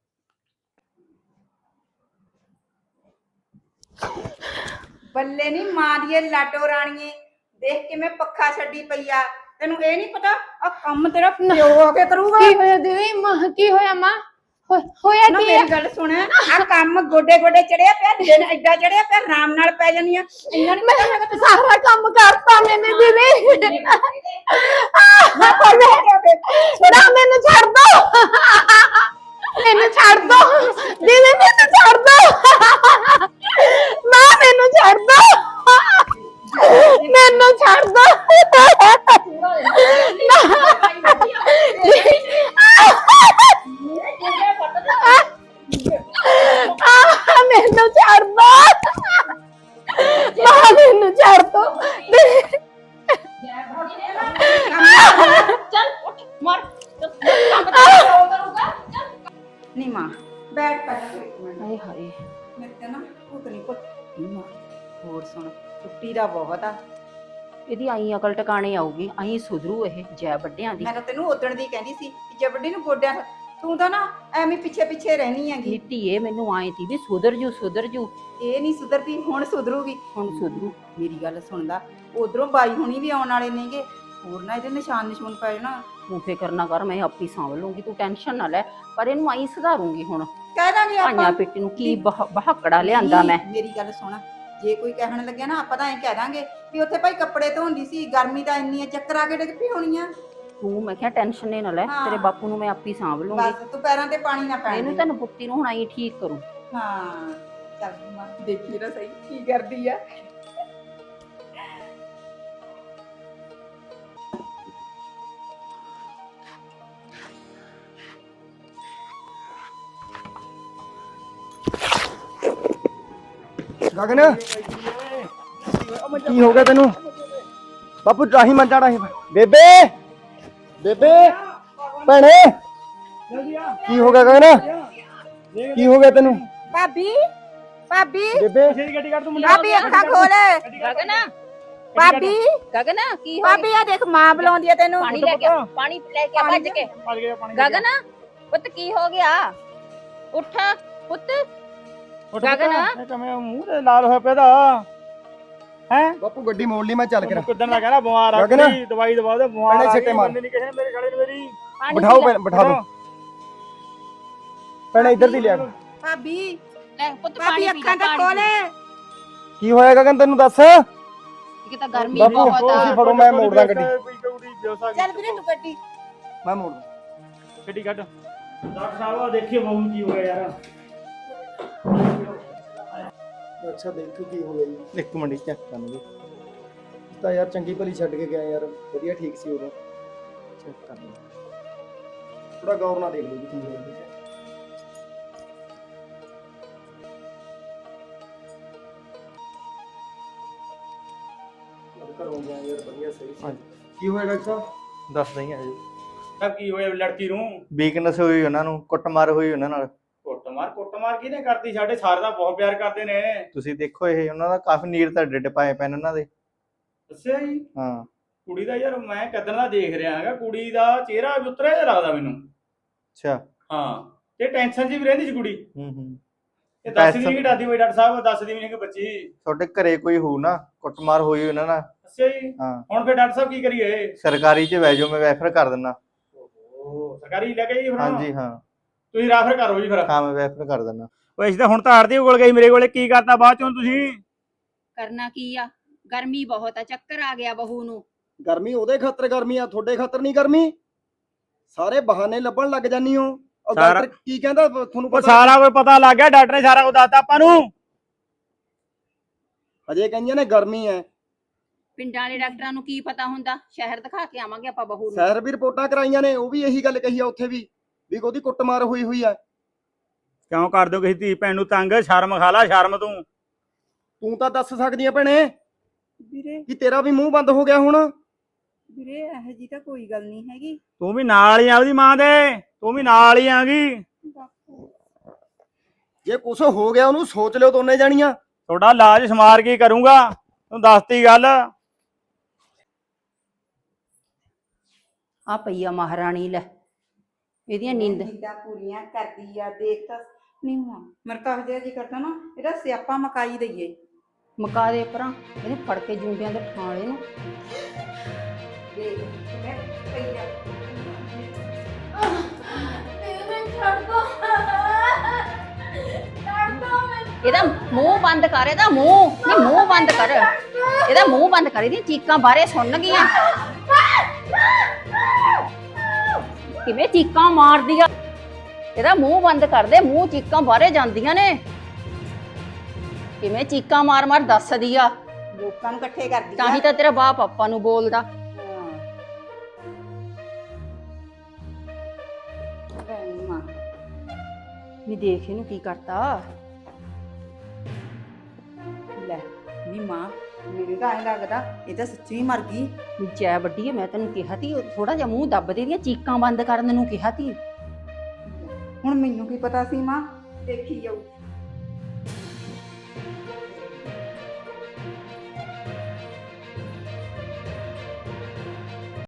ਬੱਲੇ ਨੀ ਮਾਂ ਦੀਏ ਲਾਡੋ ਰਾਣੀਏ, ਦੇਖ ਕਿਵੇਂ ਪੱਖਾ ਛੱਡੀ ਪਈ ਆ। ਤੈਨੂੰ ਇਹ ਨਹੀਂ ਪਤਾ ਆ ਕੰਮ ਤੇਰਾ ਪਿਓ ਆ ਕੇ ਕਰੂਗਾ।
ਕੀ ਹੋਇਆ ਦੀਦੀ? ਮਾਂ ਕੀ ਹੋਇਆ? ਮਾਂ ਹੋ- ਹੋਇਆ
ਨਾ
ਕੀ
ਮੇਰੀ ਗੱਲ ਸੁਣ, ਆ ਕੰਮ ਗੋਡੇ ਗੋਡੇ ਚੜਿਆ ਪਿਆ, ਦਿਨ ਐਡਾ ਚੜਿਆ ਪਿਆ, ਆਰਾਮ ਨਾਲ ਪੈ ਜਾਨੀ ਆ। ਇੰਨਾ ਨਹੀਂ ਪਤਾ ਹੈਗਾ ਤੈਨੂੰ।
ਸਾਰਾ ਕੰਮ ਕਰਤਾ ਮੈਨੇ ਦੀਦੀ।
ਨਾ ਕੋਈ
ਨਾ ਮੈਨੂੰ ਛੱਡ ਦੋ, ਮੈਨੂੰ ਛੱਡ ਦੋ ਦੀਦੀ, ਮੈਨੂੰ ਛੱਡ ਦੋ। ਮਾਂ ਮੈਨੂੰ ਛੱਡ ਦੋ, ਮੈਨੂੰ ਛੱਡ ਦੋ। ਮੈਨੂੰ ਛੱਡ ਦੋ, ਮਾਂ ਮੈਨੂੰ ਛੱਡ ਦੋ।
ਚੱਲ ਉੱਠ ਮਰ। ਨਹੀਂ ਮਾਂ, ਬੈਠ ਪਹਿਲਾਂ ਤੂੰ ਇੱਕ ਮਿੰਟ।
ਹਾਏ ਹਾਏ,
ਮੇਰੇ ਤੇ ਨਾ ਭੁੱਤ ਨਹੀਂ ਭੁੱਤ ਨਹੀਂ ਮਾਂ। ਹੋਰ ਸੁਣ, ਛੁੱਟੀ ਦਾ ਬਹੁਤ ਆ।
ਇਹਦੀ ਆਈ ਅਕਲ ਟਿਕਾਣੇ ਆਊਗੀ, ਆਈ ਸੁਧਰੂ ਇਹ ਜੈ ਵੱਡਿਆਂ ਦੀ।
ਮੈਂ ਤਾਂ ਤੈਨੂੰ ਉਦਣ ਦੀ ਕਹਿੰਦੀ ਸੀ ਕਿ ਜਬੜੀ ਨੂੰ ਗੋਡਿਆਂ ਤੂੰ ਤਾਂ ਨਾ ਐਵੇਂ ਪਿੱਛੇ ਪਿੱਛੇ ਰਹਿਣੀ ਹੈਗੀ।
ਨੀਤੀ ਇਹ ਮੈਨੂੰ ਆਏ ਤੀ ਵੀ ਸੁਧਰ ਜੂ ਸੁਧਰ ਜੂ
ਇਹ ਨਹੀਂ ਸੁਧਰਦੀ, ਹੁਣ ਸੁਧਰੂਗੀ।
ਹੁਣ ਸੁਧਰੂ।
ਮੇਰੀ ਗੱਲ ਸੁਣਦਾ, ਉਧਰੋਂ ਬਾਈ ਹੁਣੀ ਵੀ ਆਉਣ ਵਾਲੇ ਨੇਗੇ, ਹੋਰ ਨਾ ਇਹਦੇ ਨਿਸ਼ਾਨ ਨਿਸ਼ੂਨ ਪੈ ਜਾਣਾ।
ਤੂੰ ਫਿਕਰ ਨਾ ਕਰ, ਮੈਂ ਆਪੇ ਸਾਂਭ ਲੂੰਗੀ, ਤੂੰ ਟੈਨਸ਼ਨ ਨਾ ਲੈ। ਪਰ ਇਹਨੂੰ ਆਈ ਸੁਧਾਰੂੰਗੀ ਹੁਣ।
ਕਹਿ ਦਾਂਗੇ
ਭਾਈਆਂ
ਆਪਾਂ।
ਪਿੱਟੀ ਨੂੰ ਕੀ ਬਹ- ਬਹਾਕੜਾ ਲਿਆਂਦਾ ਮੈਂ।
ਨਹੀਂ, ਮੇਰੀ ਗੱਲ ਸੁਣ, ਜੇ ਕੋਈ ਕਹਿਣ ਲੱਗਿਆ ਨਾ ਆਪਾਂ ਤਾਂ ਐਂ ਕਹਿ ਦਾਂਗੇ ਵੀ ਉੱਥੇ ਭਾਈ ਕੱਪੜੇ ਧੋਂਦੀ ਸੀ, ਗਰਮੀ ਤਾਂ ਇੰਨੀ ਆ, ਚੱਕਰ ਆ ਕੇ ਡਿੱਗ ਪਈ ਹੋਣੀ ਆ।
ਤੂੰ ਮੈਂ ਕਿਹਾ ਟੈਨਸ਼ਨ ਹੀ ਨਾ ਲੈ,
ਹਾਂ।
ਤੇਰੇ ਬਾਪੂ ਨੂੰ ਮੈਂ ਆਪੇ ਸਾਂਭ ਲੂੰਗੀ।
ਬਸ ਤੂੰ ਪੈਰਾਂ ਤੇ ਪਾਣੀ ਨਾ ਪੈਣ
ਇਹਨੂੰ
ਦੇ।
ਤੈਨੂੰ ਪੁੱਤੀ ਨੂੰ ਹੁਣ ਆਈ ਠੀਕ ਕਰੂ।
ਹਾਂ ਚੱਲ ਮਾਂ ਦੇਖੀ ਨਾ ਸਹੀ ਕੀ ਕਰਦੀ ਆ।
ਗਗਨ ਕੀ ਹੋ ਗਿਆ ਤੈਨੂੰ? ਬਾਪੂ ਰਾਹੀ ਮੰਜਾ ਰਾਹੀ ਬੇਬੇ ਬੇਬੇ ਭੈਣੇ ਕੀ ਹੋ ਗਿਆ ਗਗਨ? ਕੀ ਹੋ ਗਿਆ ਤੈਨੂੰ
ਭਾਬੀ ਭਾਬੀ
ਬੇਬੇ?
ਗੱਡੀ ਕੱਢ ਤੂੰ
ਭਾਬੀ ਅੱਖਾਂ ਖੋਲ।
ਗਗਨ
ਭਾਬੀ
ਗਗਨ ਕੀ ਹੋ
ਭਾਬੀ ਆ ਦੇਖ ਮਾਂ ਬੁਲਾਉਂਦੀ ਆ ਤੈਨੂੰ।
ਪਾਣੀ ਲੈ ਕੇ ਆ, ਪਾਣੀ ਲੈ ਕੇ ਆ ਭੱਜ ਕੇ।
ਭੱਜ ਗਿਆ ਪਾਣੀ
ਗਗਨ ਪੁੱਤ ਕੀ ਹੋ ਗਿਆ? ਉੱਠ ਪੁੱਤ। ਗਗਨ।
ਇਹ ਕਮੇ ਮੂੰਹ ਤੇ ਲਾਲ ਹੋਇਆ ਪਿਆ ਦਾ ਹੈ।
ਬਾਪੂ ਗੱਡੀ ਮੋੜ ਲਈ, ਮੈਂ ਚੱਲ ਕੇ
ਕਿਦਾਂ ਦਾ ਕਹਿਣਾ ਬਿਮਾਰ ਆ
ਗਗਨ।
ਕੋਈ ਦਵਾਈ ਦਵਾ ਦੇ ਬਿਮਾਰ
ਭੈਣੇ
ਆ
ਸਿੱਟੇ ਮਾਰ।
ਨਹੀਂ ਕਿਸੇ ਨੇ ਮੇਰੇ ਗਲੇ ਨੂੰ ਮੇਰੀ
ਪਾਣੀ
ਬਿਠਾਓ
ਪੀ ਲੈ।
ਭੈਣ, ਬਿਠਾ ਦੋ ਭੈਣੇ ਇੱਧਰ ਦੀ ਲਿਆ।
ਭਾਬੀ
ਲੈ ਪੁੱਤ
ਭਾਬੀ
ਪਾਣੀ ਪੀ ਲੈ।
ਅੱਖਾਂ ਤਾਂ ਖੋਲ।
ਕੀ ਹੋਇਆ ਗਗਨ ਤੈਨੂੰ ਦੱਸ?
ਇੱਕ ਤਾਂ ਗਰਮੀ
ਬਾਪੂ,
ਬਹੁਤ
ਤੁਸੀਂ
ਆ।
ਫੜੋ, ਮੈਂ ਮੋੜਦਾ ਗੱਡੀ।
ਚੱਲ ਵੀਰੇ ਤੂੰ ਗੱਡੀ।
ਮੈਂ ਮੋੜ
ਗੱਡੀ ਕੱਢ। ਡਾਕਟਰ ਸਾਹਿਬ ਆ ਦੇਖਿਓ ਬਾਬੂ ਕੀ ਹੋ ਗਿਆ ਯਾਰ।
ਅੱਛਾ ਦੇਖੋ ਕੀ ਹੋ ਗਿਆ ਜੀ।
ਇੱਕ ਮਿੰਟ ਚੈੱਕ ਕਰਨਗੇ।
ਤਾਂ ਯਾਰ ਚੰਗੀ ਭਲੀ ਛੱਡ ਕੇ ਗਿਆ ਯਾਰ, ਵਧੀਆ ਠੀਕ ਸੀ ਉਦੋਂ।
ਚੈੱਕ ਕਰ
ਥੋੜਾ ਗੌਰ ਨਾਲ ਦੇਖ ਲਓ ਜੀ ਕੀ ਹੋਇਆ। ਘਰੋਂ ਗਿਆ ਯਾਰ, ਵਧੀਆ ਸਹੀ ਸੀ। ਕੀ ਹੋਇਆ ਡਾਕਟਰ ਸਾਹਿਬ?
ਦੱਸ ਨਹੀਂ ਆ ਜੀ।
ਸਭ ਕੀ ਹੋਇਆ ਲੜਕੀ ਨੂੰ?
ਵੀਕਨੈਸ ਹੋਈ ਉਹਨਾਂ ਨੂੰ, ਕੁੱਟਮਾਰ ਹੋਈ ਉਹਨਾਂ ਨਾਲ।
ਕੁੱਟਮਾਰ ਕੁੱਟਮਾਰ ਕਿਹਨੇ ਕਰਤੀ? ਸਾਡੇ ਸਾਰੇ ਦਾ ਬਹੁਤ ਪਿਆਰ ਕਰਦੇ ਨੇ।
ਤੁਸੀਂ ਦੇਖੋ ਇਹ ਉਹਨਾਂ ਦਾ ਕਾਫੀ ਨੀਰ ਤਾਂ ਡਿੱਡ ਪਾਏ ਪੈਣ ਉਹਨਾਂ ਦੇ।
ਅੱਛਾ ਜੀ।
ਹਾਂ
ਕੁੜੀ ਦਾ ਯਾਰ ਮੈਂ ਕਦੋਂ ਦਾ ਦੇਖ ਰਿਹਾ ਹੈਗਾ, ਕੁੜੀ ਦਾ ਚਿਹਰਾ ਵੀ ਉਤਰਿਆ ਜਿਹਾ ਲੱਗਦਾ ਮੈਨੂੰ।
ਅੱਛਾ।
ਹਾਂ ਤੇ ਟੈਨਸ਼ਨ ਜੀ ਵੀ ਰਹਿੰਦੀ ਸੀ ਕੁੜੀ।
ਹੂੰ ਹੂੰ।
ਇਹ ਦੱਸਦੀ ਨਹੀਂ ਕਿ ਦਾਦੀ ਬਈ ਡਾਕਟਰ ਸਾਹਿਬ ਦੱਸਦੀ ਵੀ ਨਹੀਂ ਕਿ ਬੱਚੀ।
ਤੁਹਾਡੇ ਘਰੇ ਕੋਈ ਹੋਊ ਨਾ, ਕੁੱਟਮਾਰ ਹੋਈ ਉਹਨਾਂ ਨਾਲ।
ਅੱਛਾ ਜੀ।
ਹਾਂ
ਹੁਣ ਫਿਰ ਡਾਕਟਰ ਸਾਹਿਬ ਕੀ ਕਰੀਏ?
ਸਰਕਾਰੀ ਚ ਬਹਿ ਜਾਓ, ਮੈਂ ਰੈਫਰ ਕਰ ਦਿੰਦਾ।
ਓਹੋ ਸਰਕਾਰੀ ਲੈ ਕੇ ਜੀ ਫਿਰ?
ਹਾਂਜੀ ਹਾਂ
ਤੁਸੀਂ ਰੈਫਰ ਕਰੋ ਜੀ ਫਿਰ।
ਹਾਂ ਮੈਂ ਰੈਫਰ ਕਰ ਦਿੰਦਾ।
ਓਏ ਇਸ ਤਾਂ ਹੁਣ ਤਾਂ ਆੜਦੀ ਕੋਲ ਗਈ ਮੇਰੇ ਕੋਲੇ, ਕੀ ਕਰਤਾ ਬਾਅਦ ਚੋਂ ਤੁਸੀਂ?
ਕਰਨਾ ਕੀ ਆ, ਗਰਮੀ ਬਹੁਤ ਆ, ਚੱਕਰ ਆ ਗਿਆ ਬਹੂ ਨੂੰ।
ਗਰਮੀ ਉਹਦੇ ਖਾਤਰ ਗਰਮੀ ਆ, ਤੁਹਾਡੇ ਖਾਤਰ ਨਹੀਂ ਗਰਮੀ। ਸਾਰੇ ਬਹਾਨੇ ਲੱਭਣ ਲੱਗ ਜਾਨੀ ਹੋ। ਉਹ
ਸਾਰਾ-
ਡਾਕਟਰ ਕੀ ਕਹਿੰਦਾ ਤੁਹਾਨੂੰ
ਉਹ
ਪਤਾ?
ਸਾਰਾ ਕੁਝ ਪਤਾ ਲੱਗ ਗਿਆ, ਡਾਕਟਰ ਨੇ ਸਾਰਾ ਕੁਝ ਦੱਸਤਾ ਆਪਾਂ ਨੂੰ।
ਅਜੇ ਕਹਿੰਦੀਆਂ ਨੇ ਗਰਮੀ ਹੈ।
ਪਿੰਡਾਂ ਵਾਲੇ ਡਾਕਟਰਾਂ ਨੂੰ ਕੀ ਪਤਾ ਹੁੰਦਾ, ਸ਼ਹਿਰ ਦਿਖਾ ਕੇ ਆਵਾਂਗੇ ਆਪਾਂ ਬਹੂ ਨੂੰ।
ਸੈਰ ਵੀ ਰਿਪੋਰਟਾਂ ਕਰਾਈਆਂ ਨੇ, ਉਹ ਵੀ ਇਹੀ ਗੱਲ ਕਹੀ ਆ ਉੱਥੇ ਵੀ ਵੀ ਉਹਦੀ ਕੁੱਟਮਾਰ ਹੋਈ ਹੋਈ ਆ।
ਕਿਉਂ ਕਰ ਦਿਓ ਕਿਸੇ ਧੀ ਭੈਣ ਨੂੰ ਤੰਗ? ਸ਼ਰਮ ਖਾ ਲਾ, ਸ਼ਰਮ ਤੂੰ।
ਤੂੰ ਤਾਂ ਦੱਸ ਸਕਦੀ ਆ ਭੈਣੇ
ਵੀਰੇ
ਕਿ ਤੇਰਾ ਵੀ ਮੂੰਹ ਬੰਦ ਹੋ ਗਿਆ ਹੁਣ।
ਵੀਰੇ ਇਹੋ ਜੀ ਤਾਂ ਕੋਈ ਗੱਲ ਨਹੀਂ ਹੈਗੀ।
ਤੂੰ ਵੀ ਨਾਲ ਹੀ ਆ ਉਹਦੀ ਮਾਂ ਦੇ, ਤੂੰ ਵੀ ਨਾਲ ਹੀ ਆਗੀ।
ਜੇ ਕੁਛ ਹੋ ਗਿਆ ਉਹਨੂੰ ਸੋਚ ਲਿਓ ਦੋਨੇ ਜਾਣੀਆਂ।
ਤੁਹਾਡਾ ਇਲਾਜ ਸਮਾਰ ਕੇ ਕਰੂੰਗਾ, ਤੂੰ ਦੱਸਤੀ ਗੱਲ।
ਆ ਪਈ ਆ ਮਹਾਰਾਣੀ, ਲੈ ਇਹਦੀਆਂ ਨੀਂਦ।
ਨੀਂਦਾਂ ਪੂਰੀਆਂ ਕਰਦੀ ਆ, ਦੇਖ ਤਾਂ ਨਹੀਂ ਹੁਆ ਮੇਰੇ ਤਾਂ ਹਜੇ ਜੀ ਕਰਦਾ ਨਾ ਇਹਦਾ ਸਿਆਪਾ ਮਕਾਈ ਦਈਏ।
ਮਕਾ ਦੇ ਪਰਾਂ, ਇਹਨੂੰ ਫੜ ਕੇ ਜੂੰਡਿਆਂ ਦੇ ਠਾਲੇ ਨੂੰ।
ਦੇਖ ਮੈਂ ਪਈ ਆ।
ਇਹਦਾ ਮੂੰਹ ਬੰਦ ਕਰ, ਇਹਦਾ ਮੂੰਹ ਨਹੀਂ, ਮੂੰਹ ਬੰਦ ਕਰ, ਇਹਦਾ ਮੂੰਹ ਬੰਦ ਕਰ। ਇਹਦੀਆਂ ਚੀਕਾਂ ਬਾਹਰੇ ਸੁਣ ਗਈਆਂ, ਕਿਵੇਂ ਚੀਕਾਂ ਮਾਰਦੀ ਆ। ਇਹਦਾ ਮੂੰਹ ਬੰਦ ਕਰ ਦੇ, ਮੂੰਹ ਚੀਕਾਂ ਬਾਹਰੇ ਜਾਂਦੀਆਂ ਨੇ, ਕਿਵੇਂ ਚੀਕਾਂ ਮਾਰ ਮਾਰ ਦੱਸਦੀ ਆ।
ਲੋਕਾਂ ਨੂੰ ਇਕੱਠੇ ਕਰਦੀ
ਤਾਂ ਹੀ ਤਾਂ ਤੇਰਾ ਬਾਪ ਆਪਾਂ ਨੂੰ ਬੋਲਦਾ। ਨਹੀਂ ਦੇਖ ਇਹਨੂੰ ਕੀ ਕਰਤਾ।
ਲੈ ਨੀ ਮਾਂ, ਮੈਨੂੰ ਤਾਂ ਐਂ ਲੱਗਦਾ ਇਹ ਤਾਂ ਸੱਚੀ ਮਰ ਗਈ।
ਜੈ ਵੱਡੀ, ਮੈਂ ਤੈਨੂੰ ਕਿਹਾ ਤੀ ਥੋੜਾ ਜਿਹਾ ਮੂੰਹ ਦੱਬ ਦੇ, ਦੀਆਂ ਚੀਕਾਂ ਬੰਦ ਕਰਨ ਨੂੰ ਕਿਹਾ ਤੀ।
ਹੁਣ ਮੈਨੂੰ ਕੀ ਪਤਾ ਸੀ ਮਾਂ, ਦੇਖੀ ਜਾਊ।